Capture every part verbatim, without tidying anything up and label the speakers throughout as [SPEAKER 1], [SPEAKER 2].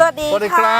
[SPEAKER 1] วัสดี
[SPEAKER 2] สวัสดีครับ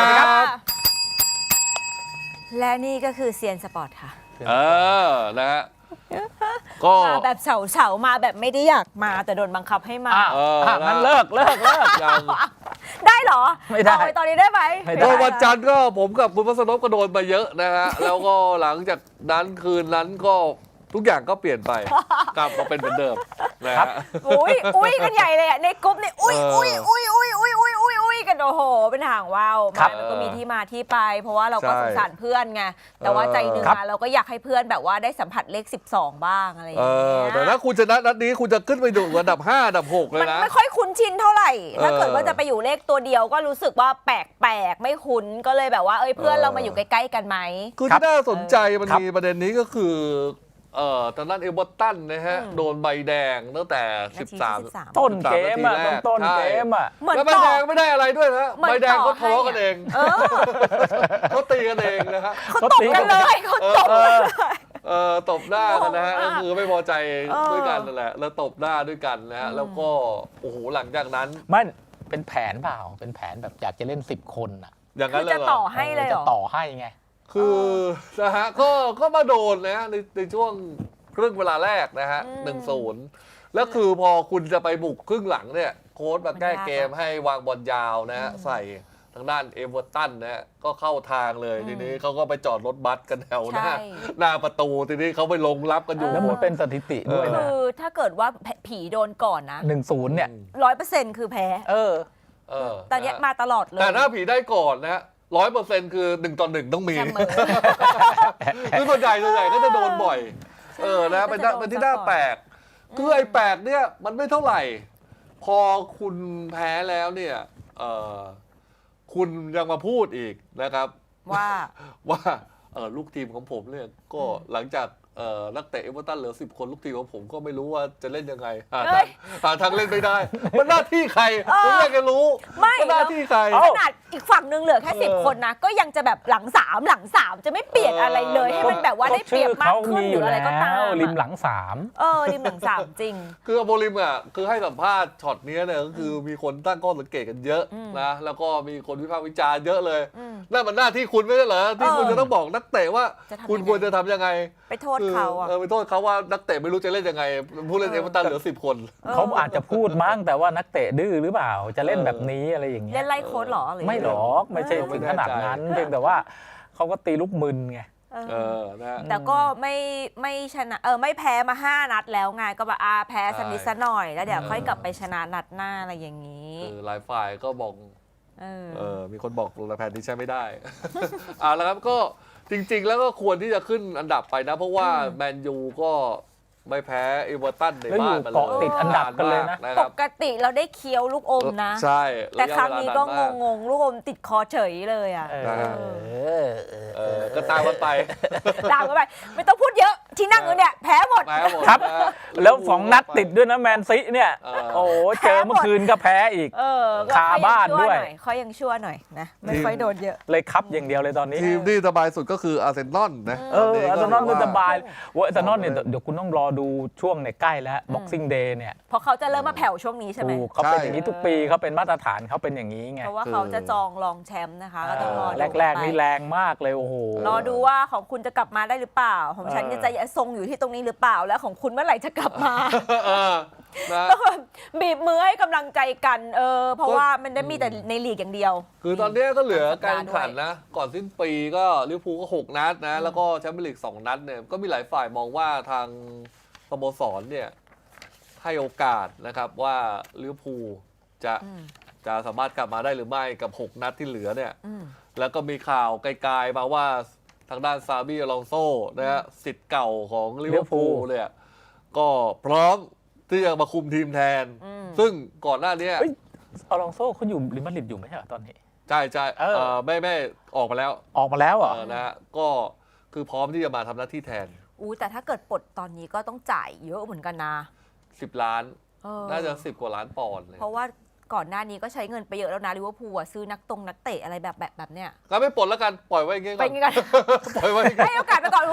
[SPEAKER 1] และนี่ก็คือเซียนสปอร์ตค่ะ
[SPEAKER 2] เออนะฮะก็
[SPEAKER 1] มาแบบเฉาเฉาๆมาแบบไม่ได้อยากมาแต่โดนบังคับให้มา
[SPEAKER 3] อ่ะ
[SPEAKER 2] เออ
[SPEAKER 3] อ่ะงั้นเลิกเลิกเลิก
[SPEAKER 2] ยัง
[SPEAKER 1] ได้เหรอ
[SPEAKER 3] ไม่ได้
[SPEAKER 1] เอาปตอนนี้ได้ไหม
[SPEAKER 3] ไม่ได้
[SPEAKER 2] โดนวันจันทร์ก็ผมกับคุณพัสนพก็โดนไปเยอะนะฮะ แล้วก็หลังจากนั้นคืนนั้นก็ทุกอย่างก็เปลี่ยนไป กลับมาเป็นเหมือนเดิมนะฮะ
[SPEAKER 1] อุ้ยอุ้ยกันใหญ่เลยอ่ะในกรุ๊ปนี่อุ้ย
[SPEAKER 2] เออ
[SPEAKER 1] อุ้ยอุ้ยอุ้ยอุ้ยอุ้ยอุ้ยอุ้ยกันโอ้โหเป็นหางว่าว
[SPEAKER 3] ครั
[SPEAKER 1] มา
[SPEAKER 3] บ
[SPEAKER 1] มันก็มีที่มาที่ไป เพราะว่าเราก็
[SPEAKER 2] ใช่
[SPEAKER 1] สงสารเพื่อนไงแต่ว่าใจหนึ่ง
[SPEAKER 3] ครับ
[SPEAKER 1] อะเราก็อยากให้เพื่อนแบบว่าได้สัมผัสเลขสิบสองบ้างอะไรอย่าง
[SPEAKER 2] เอ
[SPEAKER 1] เงี้
[SPEAKER 2] อย แต่ถ้าคุณชนะนัดนี้คุณจะขึ้นไปดูอันดับห้าอันดับหกเลย
[SPEAKER 1] มัน
[SPEAKER 2] นะ
[SPEAKER 1] ไม่ค่อยคุ้นชินเท่าไหร่ ถ้าเกิด
[SPEAKER 2] เออ
[SPEAKER 1] ว่าจะไปอยู่เลขตัวเดียวก็รู้สึกว่าแปลกๆไม่คุ้นก็เลยแบบว่าเอ้ยเพื่อน
[SPEAKER 2] เออ
[SPEAKER 1] เรามาอยู่ใกล้ๆกันไหม
[SPEAKER 2] คือ
[SPEAKER 3] ครับ
[SPEAKER 2] ที่น่าสนใจมัน
[SPEAKER 3] ครับ
[SPEAKER 2] มีประเด็นนี้ก็คือเอ่อตอนนั้นเอเวอร์ตันนะฮะ
[SPEAKER 1] อืม
[SPEAKER 2] โดนใบแดงตั้งแต่
[SPEAKER 1] นาที
[SPEAKER 2] สิบสาม
[SPEAKER 1] ที่สิบสาม
[SPEAKER 3] ต้นเกมอ่ะ
[SPEAKER 2] สิบสามนาทีแรก
[SPEAKER 3] ต้น
[SPEAKER 2] ใช่
[SPEAKER 3] เกมอ่ะ
[SPEAKER 1] เหมือน
[SPEAKER 2] แล้วใบ
[SPEAKER 1] ต่อ
[SPEAKER 2] แดงไม่ได้อะไรด้วยนะ
[SPEAKER 1] เหมือน
[SPEAKER 2] ใบแดง
[SPEAKER 1] ต่
[SPEAKER 2] เขา
[SPEAKER 1] อ
[SPEAKER 2] ทะเลาะ
[SPEAKER 1] ให้
[SPEAKER 2] กันเอง
[SPEAKER 1] เออ
[SPEAKER 2] เขาตีกันเองนะฮะ
[SPEAKER 1] เขาตบกันเลยเขาตบ
[SPEAKER 3] เออ
[SPEAKER 2] เออตบหน้ากันนะฮะ
[SPEAKER 1] งง
[SPEAKER 2] ก็
[SPEAKER 1] มาก
[SPEAKER 2] คือไม่พอใจ
[SPEAKER 1] เออ
[SPEAKER 2] ด้วยกันนั่นแหละแล้วตบหน้าด้วยกันนะฮะ
[SPEAKER 1] อืม
[SPEAKER 2] แล้วก็โอ้โหหลังจากนั้น
[SPEAKER 3] มันเป็นแผนเปล่า เป็นแผนแบบอยากจะเล่นสิบคนอ่ะ
[SPEAKER 2] อย่าง
[SPEAKER 1] คื
[SPEAKER 2] นั้
[SPEAKER 1] อน
[SPEAKER 2] เล
[SPEAKER 1] จะ
[SPEAKER 2] ยเหร
[SPEAKER 1] ต่อ
[SPEAKER 2] อ
[SPEAKER 1] ให้เลยเหร
[SPEAKER 3] จะ
[SPEAKER 1] อ
[SPEAKER 3] ต่อให้ไง
[SPEAKER 2] คือนะฮะก็ก็มาโดนนะฮะในในช่วงครึ่งเวลาแรกนะฮะ
[SPEAKER 1] อืม
[SPEAKER 2] หนึ่งศูนย์แล้วคือพอคุณจะไปบุกครึ่งหลังเนี่ยโค้ชมาแก้เกม
[SPEAKER 1] มันยากอะ
[SPEAKER 2] ให้วางบอลยาวนะฮะ
[SPEAKER 1] อืม
[SPEAKER 2] ใส่ทางด้านเอเวอร์ตันนะฮะก็เข้าทางเลย
[SPEAKER 1] อืม
[SPEAKER 2] ทีนี้เขาก็ไปจอดรถบัสกันแถวหน้า
[SPEAKER 1] ใช่
[SPEAKER 2] หน้าประตูทีนี้เขาไปลงรับกันอยู่
[SPEAKER 3] แล้ว
[SPEAKER 2] หม
[SPEAKER 3] มั
[SPEAKER 2] ด
[SPEAKER 3] นเป็นสถิติด้วย
[SPEAKER 2] เอ
[SPEAKER 3] นะ
[SPEAKER 1] คือถ้าเกิดว่าผีโดนก่อนนะ
[SPEAKER 3] หนึ่งศูนย์เนี่ย
[SPEAKER 1] ร้อยเปอร์เซ็นต์คือแพ้
[SPEAKER 3] เออ
[SPEAKER 2] เออ
[SPEAKER 1] ตอนเนี้ย
[SPEAKER 2] ะฮะ
[SPEAKER 1] มาตลอดเลย
[SPEAKER 2] แต่ถ้าผีได้ก่อนนะฮะร้อยเปอร์เซ็นต์คือหนึ่งต่อหนึ่งต้องมี
[SPEAKER 1] เสมอ
[SPEAKER 2] คือส่วนใหญ่ส่วนใหญ่ก็จะโดนบ่อย
[SPEAKER 1] ใช่
[SPEAKER 2] เออนะเป็นหน้า
[SPEAKER 1] ก็จะโดน
[SPEAKER 2] เป็นที่น่า
[SPEAKER 1] ซะก่อน
[SPEAKER 2] แปลก
[SPEAKER 1] อืม
[SPEAKER 2] คือไอ้แปลกเนี่ยมันไม่เท่าไหร่ พอคุณแพ้แล้วเนี่ยเออคุณยังมาพูดอีกนะครับ
[SPEAKER 1] ว่า
[SPEAKER 2] ว่าเออลูกทีมของผมเนี่ยก็
[SPEAKER 1] อืม
[SPEAKER 2] หลังจากเอ่อนักเตะเอเวอร์ตันเหลือสิบคนลูกทีมของผมก็ไม่รู้ว่าจะเล่นยังไงหา
[SPEAKER 1] เอ้
[SPEAKER 2] ทาง
[SPEAKER 1] ย
[SPEAKER 2] หาทางเล่นไม่ได้ มันหน้าที่ใครผมอยากจะรู้
[SPEAKER 1] ไม่
[SPEAKER 2] ว่าหน้าที่ใคร
[SPEAKER 3] เอ้า
[SPEAKER 1] ขนาดอีกฝั่งหนึงเหลือแค่สิบ
[SPEAKER 2] เออ
[SPEAKER 1] คนนะ ก็ยังจะแบบหลังสามหลังสามจะไม่เปลี่ยนอะไรเลย
[SPEAKER 2] เออ
[SPEAKER 1] ให้มันแบบว่าได้เปรียบมากขึ้นหรืออะไรก็ตาม
[SPEAKER 3] ชื่อเขริมหลังสาม
[SPEAKER 1] เออริมหลังสามจริง
[SPEAKER 2] คือโบลิมอ่ะคือให้สัมภาษณ์ช็อตเนี้ยเนี่ยก็คือมีคนตั้งข้อสังเกตกันเยอะ
[SPEAKER 1] อืม
[SPEAKER 2] นะแล้วก็มีคนวิพากษ์วิจารณ์เยอะเลย
[SPEAKER 1] อืม
[SPEAKER 2] นั่นมันหน้าที่คุณไม่ใช่เหรอที่คุณ
[SPEAKER 1] เออ
[SPEAKER 2] จะต้องบอกนักเตะว่า
[SPEAKER 1] จะทำ
[SPEAKER 2] คุณ
[SPEAKER 1] ยังไง
[SPEAKER 2] ควรจะทำยังไง
[SPEAKER 1] ไปโทษเขาอ่ะ
[SPEAKER 2] เออไปโทษเขาว่านักเตะไม่รู้จะเล่นยังไงผู้เล่น
[SPEAKER 1] เอ
[SPEAKER 2] เอ
[SPEAKER 1] อ
[SPEAKER 2] เวอร์ตันเหลือสิบคน
[SPEAKER 3] เขาอาจจะพูดมั้งแต่ว่านักเตะดื้อหรือเปล่า จะเล่นแบบนี้อะไรอย่างเงี้
[SPEAKER 1] เล่
[SPEAKER 3] ย
[SPEAKER 1] นไล่โค้ดเหรอหรือ
[SPEAKER 3] ไม่หรอกไม่ใช่
[SPEAKER 2] เออ
[SPEAKER 3] ถึงขนาดนั้นเพียงแต่ว่าเขาก็ตีลูกมึนไง
[SPEAKER 1] เออ
[SPEAKER 2] เออนะฮะ
[SPEAKER 1] แต่ก็ไม่ไม่ชนะเออไม่แพ้มาห้านัดแล้วไงก็แบบอาแพ้สักนิดสักหน่อยแล้วเดี๋ยว
[SPEAKER 2] เออ
[SPEAKER 1] ค่อยกลับไปชนะนัดหน้าอะไรอย่างนี้
[SPEAKER 2] คือหลายฝ่ายก็บอก
[SPEAKER 1] เออ
[SPEAKER 2] เออมีคนบอกลงแผนที่ใช้ไม่ได้ อ่าแล้วครับก็จริง ๆ แล้วก็ควรที่จะขึ้นอันดับไปนะ เพราะว่า
[SPEAKER 1] อืม
[SPEAKER 2] แมนยูก็ไม่แพ้เอเวอร์ตันใน
[SPEAKER 3] แล้วอยู่
[SPEAKER 2] บ้านมา
[SPEAKER 3] เกาะติดอันดับกันเลยนะ
[SPEAKER 2] ามา
[SPEAKER 1] ป
[SPEAKER 2] ครับ
[SPEAKER 1] กติเราได้เคี้ยวลูกอมนะ
[SPEAKER 2] ใช่
[SPEAKER 1] แต่ครั้งนี้ก็
[SPEAKER 2] ระยะเวลานาน
[SPEAKER 1] ง
[SPEAKER 2] มาก
[SPEAKER 1] งๆ ลูกอมติดคอเฉยเลยอ่ะ
[SPEAKER 3] เออ
[SPEAKER 2] นะฮะ
[SPEAKER 3] เออเออ
[SPEAKER 2] เออก็ตามกันไป
[SPEAKER 1] ตามกันไป ไม่ต้องพูดเยอะ ที่นั่งอยู่เนี่ย แพ้หมด
[SPEAKER 2] แพ้หมด
[SPEAKER 3] ครับ
[SPEAKER 2] นะฮะ
[SPEAKER 3] แล้วสองนัดติดด้วยนะแมนซีเนี่ย
[SPEAKER 2] เออ
[SPEAKER 3] โอ้โหเจอเมื่อคืนก็แพ้อีก
[SPEAKER 1] เออก็
[SPEAKER 3] คาบ้านด้วย
[SPEAKER 1] เขายังชั่วหน่อยนะ ไม่ค่อยโดนเยอะ
[SPEAKER 3] เลยคับอย่างเดียวเลยตอนนี้
[SPEAKER 2] ทีมที่สบายสุดก็คืออาร์เซนอลนะ
[SPEAKER 3] เอออาร์เซนอลมันสบาย
[SPEAKER 1] โอ้
[SPEAKER 3] เว่าอาร์เซนอลเนี่ยเดี๋ยวคุณต้องรอดูช่วงเนี่ยใกล้แล้ว Boxing Day เนี่ย
[SPEAKER 1] เพราะเขาจะเริ่มมาแผ่วช่วงนี้ใช่ไหม
[SPEAKER 3] ถูกเขาเป็นอย่างนี้ทุกปีเขาเป็นมาตรฐานเขาเป็นอย่างนี้ไง
[SPEAKER 1] เพราะว่าเขาจะจองรองแชมป์นะคะ ก็ต้องรอดู
[SPEAKER 3] แรกๆ
[SPEAKER 1] ไป
[SPEAKER 3] นี่แรงมากเลยโอ้โห
[SPEAKER 1] รอดูว่าของคุณจะกลับมาได้หรือเปล่า ของฉัน
[SPEAKER 3] เออ
[SPEAKER 1] จะทรงอยู่ที่ตรงนี้หรือเปล่า แล้วของคุณเมื่อไหร่จะกลับมา
[SPEAKER 2] เออนะ
[SPEAKER 1] ต้องแบบบีบมือให้กำลังใจกันเออเพราะว่ามันได้มีแต่ในลีกอย่างเดียว
[SPEAKER 2] คือตอนนี้ก็เหลือการ
[SPEAKER 1] สัปดาห์ด้วย
[SPEAKER 2] แข่งขันนะ ก่อนสิ้นปีก็ลิเวอร์พูลก็หกนัดนะ แล้วก็แชมเปี้ยนลีกสองนัดเนี่ยก็มีหลายฝ่ายมองว่าทางสโมสรเนี่ยให้โอกาสนะครับว่าลิเวอร์พูลจะ
[SPEAKER 1] อืม
[SPEAKER 2] จะสามารถกลับมาได้หรือไม่กับหกนัดที่เหลือเนี่ย
[SPEAKER 1] อืม
[SPEAKER 2] แล้วก็มีข่าวไกลๆมาว่าทางด้านซาบีอลองโซนะฮะสิทธิ์เก่าของลิเวอร์พูล
[SPEAKER 3] Liverpool
[SPEAKER 2] เนี่ยก็พร้อมที่จะมาคุมทีมแทน
[SPEAKER 1] อืม
[SPEAKER 2] ซึ่งก่อนหน้านี้
[SPEAKER 3] เฮ้ย อลองโซ่เขาอยู่ริมาดริดอยู่ไหมใช่เหรอตอนนี้
[SPEAKER 2] ใช่ใช่
[SPEAKER 3] เออ
[SPEAKER 2] เอ่อไม่ไม่ออกมาแล้ว
[SPEAKER 3] ออกมาแล้วเหรอ
[SPEAKER 2] เออนะฮะก็คือพร้อมที่จะมาทำหน้าที่แทน
[SPEAKER 1] อู้แต่ถ้าเกิดปลดตอนนี้ก็ต้องจ่ายเยอะเหมือนกันนะ
[SPEAKER 2] สิบล้าน
[SPEAKER 1] เออ
[SPEAKER 2] น่าจะสิบกว่าล้านปอนด์เลย
[SPEAKER 1] เพราะว่าก่อนหน้านี้ก็ใช้เงินไปเยอะแล้วนะลิเวอร์พูลอะซื้อนักตรงนักเตะอะไรแบบแบบแบบเนี้ย
[SPEAKER 2] ก็ไม่ปลดแล้วกันปล่อยไว้อย่างเงี้ย
[SPEAKER 1] ไป
[SPEAKER 2] ก่อน
[SPEAKER 1] งี้กัน
[SPEAKER 2] ปล่อยไว้อย่างเงี้ย
[SPEAKER 1] ให้โอกาสไปก่อนโอ้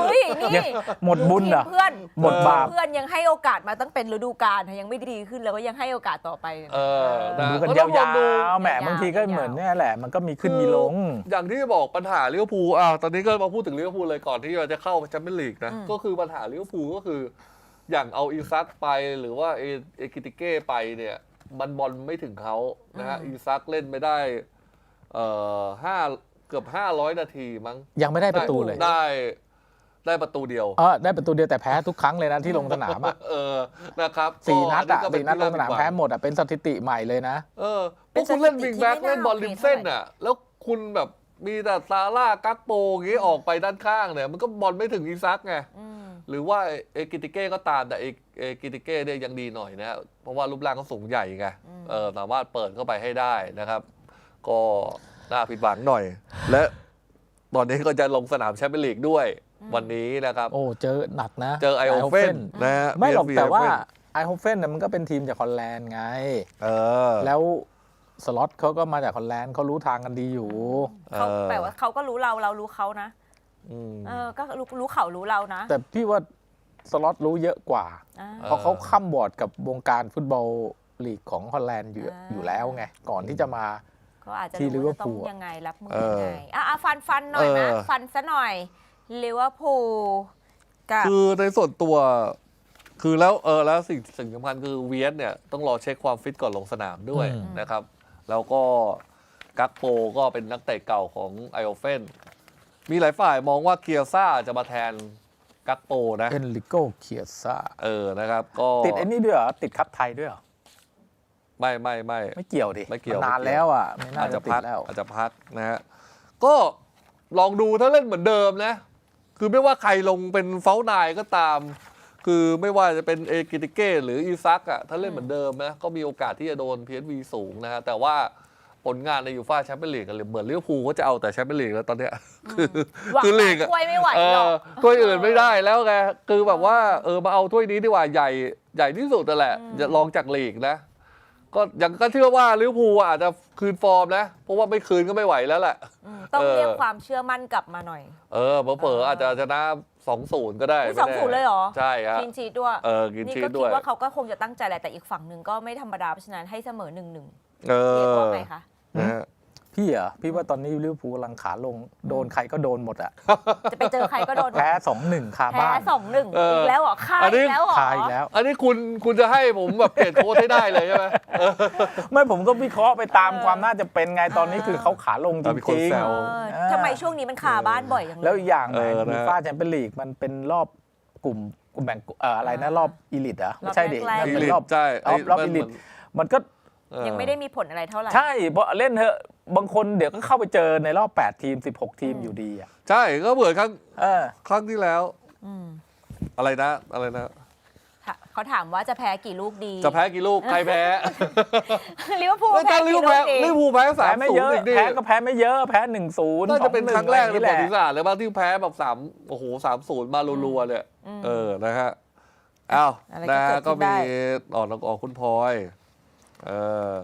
[SPEAKER 1] เฮ้ยนี่
[SPEAKER 3] ยังหมดบุญเหรอ
[SPEAKER 1] ทีมเพื่อน
[SPEAKER 3] หมดบาป
[SPEAKER 1] เพื่อนยังให้โอกาสมาตั้งเป็นฤดูกาลยังไม่ดีขึ้นแล้วก็ยังให้โอกาสต่อไป
[SPEAKER 2] เออนะ
[SPEAKER 3] ดูกัน
[SPEAKER 2] ก็
[SPEAKER 3] ย
[SPEAKER 2] ต้องลองดู
[SPEAKER 3] าวๆแหม
[SPEAKER 1] ยาวๆ
[SPEAKER 3] บางทีก็เหมือนเนี่ยแหละ มันก็มีขึ้นมีลง
[SPEAKER 2] อย่างที่บอกปัญหาลิเวอร์พูลอ้าวตอนนี้ก็มาพูดถึงลิเวอร์พูลเลยก่อนที่เราจะเข้าแชมเปี้ยนลีกนะก็คือปัญหาลิเวอร์พูลก็คือ อย่างเอาอีซักไปหรือว่าเอเอกิติเก้ไปเนี่ยมันบอลไม่ถึงเขานะฮะอีซักเล่นไม่ได้เอ่อห้าเกือบห้าร้อยนาทีมั้ง
[SPEAKER 3] ยังไม่ได้ประตูเลย
[SPEAKER 2] ได้ได้ประตูเดียว
[SPEAKER 3] เออได้ประตูเดียวแต่แพ้ทุกครั้งเลยนะที่ลงสนามอ่ะ
[SPEAKER 2] เออนะครับ
[SPEAKER 3] สี่นัดอ่ะ
[SPEAKER 2] ก็เป็
[SPEAKER 3] สี่นัดลงสนาม
[SPEAKER 2] ที่
[SPEAKER 3] แพ้หมดอ่ะเป็นสถิติใหม่เลยนะ
[SPEAKER 2] เออพวกคุณเล่นวิงแบ็กเล่นบอลริมเส้นอ่ะแล้วคุณแบบมีแต่ซาร่ากักโปอย่างงี้ออกไปด้านข้างเนี่ยมันก็บอลไม่ถึงอีซักไง
[SPEAKER 1] อืม
[SPEAKER 2] หรือว่าเอกิติเก้ก็ตามแต่เอเอกิติเก้เนี่ยยังดีหน่อยนะเพราะว่ารูปร่างเขาสูงใหญ่ไงเออสามารถเปิดเข้าไปให้ได้นะครับ ก็น่าผิดหวังหน่อย และตอนนี้ก็จะลงสนามแชมเปี้ยนลีกด้วยวันนี้นะครับ
[SPEAKER 3] โอ้เจอหนักนะ
[SPEAKER 2] เจอไอโอเฟนนะฮะ
[SPEAKER 3] ไม่หรอก
[SPEAKER 2] พี
[SPEAKER 3] แต่
[SPEAKER 2] เอฟ
[SPEAKER 3] ว่า
[SPEAKER 2] เฟน
[SPEAKER 3] ไอโอเฟนเนี่ยมันก็เป็นทีมจากฮอลแลนด์ไง
[SPEAKER 2] เออ
[SPEAKER 3] แล้วสล็อตเขาก็มาจากฮอลแลนด์เขารู้ทางกันดีอยู่
[SPEAKER 1] เขา
[SPEAKER 2] เออ
[SPEAKER 1] แปลว่าเขาก็รู้เราเรารู้เขานะ
[SPEAKER 2] อืม
[SPEAKER 1] เออก็รู้รู้เขารู้เรานะ
[SPEAKER 3] แต่พี่ว่าสล็อตรู้เยอะกว่า
[SPEAKER 1] อ่า
[SPEAKER 3] เพราะเขาข้ามบอร์ดกับวงการฟุตบอลลีกของฮอลแลนด์อยู่
[SPEAKER 1] อ่า
[SPEAKER 3] อยู่แล้วไง ก่อนที่จะมา
[SPEAKER 1] ก็อาจจะ
[SPEAKER 3] ที่
[SPEAKER 1] รู้ว่าจะต้อง
[SPEAKER 3] ลิเวอร์พูล
[SPEAKER 1] ยังไงรับมือ
[SPEAKER 2] เออ
[SPEAKER 1] ยังไงอ่ะอ่ะฟันฟันหน่อยนะ
[SPEAKER 2] เออ
[SPEAKER 1] ฟันซะหน่อยลิเวอร์พูลกับ
[SPEAKER 2] คือในส่วนตัวคือแล้วเออแล้วสิ่งสิ่งสำคัญคือเวียสเนี่ยต้องรอเช็คความฟิตก่อนลงสนามด้วย
[SPEAKER 3] อืม
[SPEAKER 2] นะครับ แล้วก็กักโปก็เป็นนักเตะเก่าของไอโอเฟนมีหลายฝ่ายมองว่าเกียร์ซ่าจะมาแทนกักโปนะ
[SPEAKER 3] เอนริโกเคียซ่า
[SPEAKER 2] เออนะครับก็
[SPEAKER 3] ติดไอ้นี่ด้วยเหรอ ติดคัพไทยด้วยเหรอ
[SPEAKER 2] ไม่ไม่ไม่
[SPEAKER 3] ไม่เกี่ยวดิ
[SPEAKER 2] ไม่เกี่ยว
[SPEAKER 3] นนาน
[SPEAKER 2] ไม่เกี่ยว
[SPEAKER 3] แล้วอ่ะ ไม่น่า
[SPEAKER 2] อาจ
[SPEAKER 3] จะ
[SPEAKER 2] จะ
[SPEAKER 3] ติ
[SPEAKER 2] พั
[SPEAKER 3] ด
[SPEAKER 2] ก
[SPEAKER 3] แล้ว
[SPEAKER 2] อาจจะพักนะฮะก็ลองดูถ้าเล่นเหมือนเดิมนะ คือไม่ว่าใครลงเป็นเฟ้านายก็ตาม คือไม่ว่าจะเป็นเอกิติเก้หรืออีซักอ่ะถ้าเล่นเหมือนเดิมนะก็มีโอกาสที่จะโดน พี เอส วี สูงนะฮะแต่ว่าผลงานในยูฟ่าแชมเปี้ยนลีกกันเหมือนลิเวอร์พูลก็จะเอาแต่แชมเปี้ยนลีกแล้วตอนเนี้ยคือ
[SPEAKER 1] หวัง
[SPEAKER 2] คือลีกอะ
[SPEAKER 1] ถ้วยไม่ไหว
[SPEAKER 2] เอ
[SPEAKER 1] หรอ
[SPEAKER 2] อก ถ้วยอื่นไม่ได้แล้วไงคือแบบว่าเออมาเอาถ้วยนี้ดีกว่าใหญ่ใหญ่ที่สุดนั่นแหละจะลองจากลีกนะ ก็ยังก็เชื่อว่าลิเวอร์พูลอาจจะคืนฟอร์มนะ เพราะว่าไม่คืนก็ไม่ไหวแล้วแหละ
[SPEAKER 1] อืมต้อง
[SPEAKER 2] เออ
[SPEAKER 1] เรียกความเชื่อมั่นกลับมาหน่อย
[SPEAKER 2] เออเผลอๆ
[SPEAKER 1] เอออ
[SPEAKER 2] อาจจะชนะสองศูนย์ก็ได้
[SPEAKER 1] อุ๊ย
[SPEAKER 2] ไม่แ
[SPEAKER 1] สองศูนย์เลยเหรอ
[SPEAKER 2] ใช่ฮะ
[SPEAKER 1] กินชีสด้วย
[SPEAKER 2] เออกิน
[SPEAKER 1] นี่
[SPEAKER 2] ชี
[SPEAKER 1] ก็
[SPEAKER 2] ส
[SPEAKER 1] คิ
[SPEAKER 2] ด้
[SPEAKER 1] ด
[SPEAKER 2] วย
[SPEAKER 1] ว่าเขาก็คงจะตั้งใจแหละแต่อีกฝั่งหนึ่งก็ไม่ธรรมดาเพราะฉะนั้นให้เสมอหนึ่งหนึ่ง
[SPEAKER 2] เอ
[SPEAKER 1] เรียก
[SPEAKER 2] อ
[SPEAKER 1] ว่าไงคะ
[SPEAKER 2] นะฮะ
[SPEAKER 3] พี่เหรอ พี่ว่าตอนนี้ลิเวอร์พูลกำลังขาลง โดนใครก็โดนหมดอ่ะ
[SPEAKER 1] จะไปเจอใครก็โดน
[SPEAKER 3] แพ้สองหนึ่งคา
[SPEAKER 1] แพ้
[SPEAKER 3] บ้าน
[SPEAKER 1] สองหนึ่ง
[SPEAKER 2] เอออี
[SPEAKER 1] อีกแล้วเหรอค่า
[SPEAKER 2] อันนี้
[SPEAKER 1] อีกแล้วเหรอ
[SPEAKER 3] คาอีกแล้ว
[SPEAKER 2] อันนี้คุณคุณจะให้ผมแบบเปลี่ยนโค้ชให้ได้เลยใช่ไหมเออ
[SPEAKER 3] ไม่ผมก็วิเคราะห์ไปตามความน่าจะเป็นไงตอนนี้คือเขาขาลงจ
[SPEAKER 2] มีคน
[SPEAKER 3] ริง
[SPEAKER 2] แซ
[SPEAKER 1] เอ
[SPEAKER 2] ว
[SPEAKER 1] อทำไมช่วงนี้มันคาบ้านบ่อยจัง
[SPEAKER 3] ๆ
[SPEAKER 1] เล
[SPEAKER 3] แล้ว
[SPEAKER 1] ย
[SPEAKER 3] อีกอย่างไหน
[SPEAKER 2] เออนะ
[SPEAKER 3] ยูฟ่าแชมเปี้ยนลีกมันเป็นรอบกลุ่มกลุ่มแบ่งเอ่ออะไรนะรอบอีลิตเหรอไม่ใช่ดิ
[SPEAKER 1] รอบแรกๆ
[SPEAKER 3] มัน
[SPEAKER 2] อี
[SPEAKER 3] เป็น
[SPEAKER 2] ลิ
[SPEAKER 3] ร
[SPEAKER 2] ท
[SPEAKER 3] อบ
[SPEAKER 2] ใช่
[SPEAKER 3] รอบรอบ
[SPEAKER 2] มัน
[SPEAKER 3] อีลิต
[SPEAKER 2] เหมือน
[SPEAKER 3] มันก็
[SPEAKER 2] เออ
[SPEAKER 1] ยังไม่ได้มีผลอะไรเท่าไหร่
[SPEAKER 3] ใช่เพราะเล่นเถอะบางคนเดี๋ยวก็เข้าไปเจอในรอบแปดทีมสิบหกทีมอยู่ดีอ่ะ
[SPEAKER 2] ใช่ก็เหมือนครั้ง
[SPEAKER 3] เออ
[SPEAKER 2] ครั้งที่แล้ว
[SPEAKER 1] อืม
[SPEAKER 2] อะไรนะอะไรนะ
[SPEAKER 1] ค่ะเขาถามว่าจะแพ้กี่ลูกดี
[SPEAKER 2] จะแพ้กี่ลูกใครแพ้
[SPEAKER 1] ลิเวอร์พูล
[SPEAKER 2] แล้ว
[SPEAKER 1] แพ้
[SPEAKER 2] การลิ
[SPEAKER 1] กี่
[SPEAKER 2] เวอร์
[SPEAKER 1] ลู
[SPEAKER 2] พูล
[SPEAKER 1] ก
[SPEAKER 2] แพ้
[SPEAKER 1] ดี
[SPEAKER 2] ลิเวอร์พูลแพ้สา
[SPEAKER 3] แพ้
[SPEAKER 2] ม
[SPEAKER 3] ไม่
[SPEAKER 2] ศู
[SPEAKER 3] เย
[SPEAKER 2] น
[SPEAKER 3] อะ
[SPEAKER 2] ย์อีกดิ
[SPEAKER 3] แพ้ก็แพ้ไม่เยอะแพ้หนึ่งศูนย์
[SPEAKER 2] น่าจะเป็นครั้งแรกใน
[SPEAKER 3] นี่
[SPEAKER 2] ป
[SPEAKER 3] แห
[SPEAKER 2] ระวั
[SPEAKER 3] ละ
[SPEAKER 2] ติศาสตร์เลยบ้างที่แพ้แบบสามโอ้โหสามศูนย์มารัวๆเนี่ยเออนะฮะอ้าว
[SPEAKER 1] อะไร
[SPEAKER 2] นะ
[SPEAKER 1] ก็
[SPEAKER 2] ฮะ
[SPEAKER 1] เกิด
[SPEAKER 2] ก็
[SPEAKER 1] ขึ้นได้
[SPEAKER 2] มีออกออกคุณพลอยเออ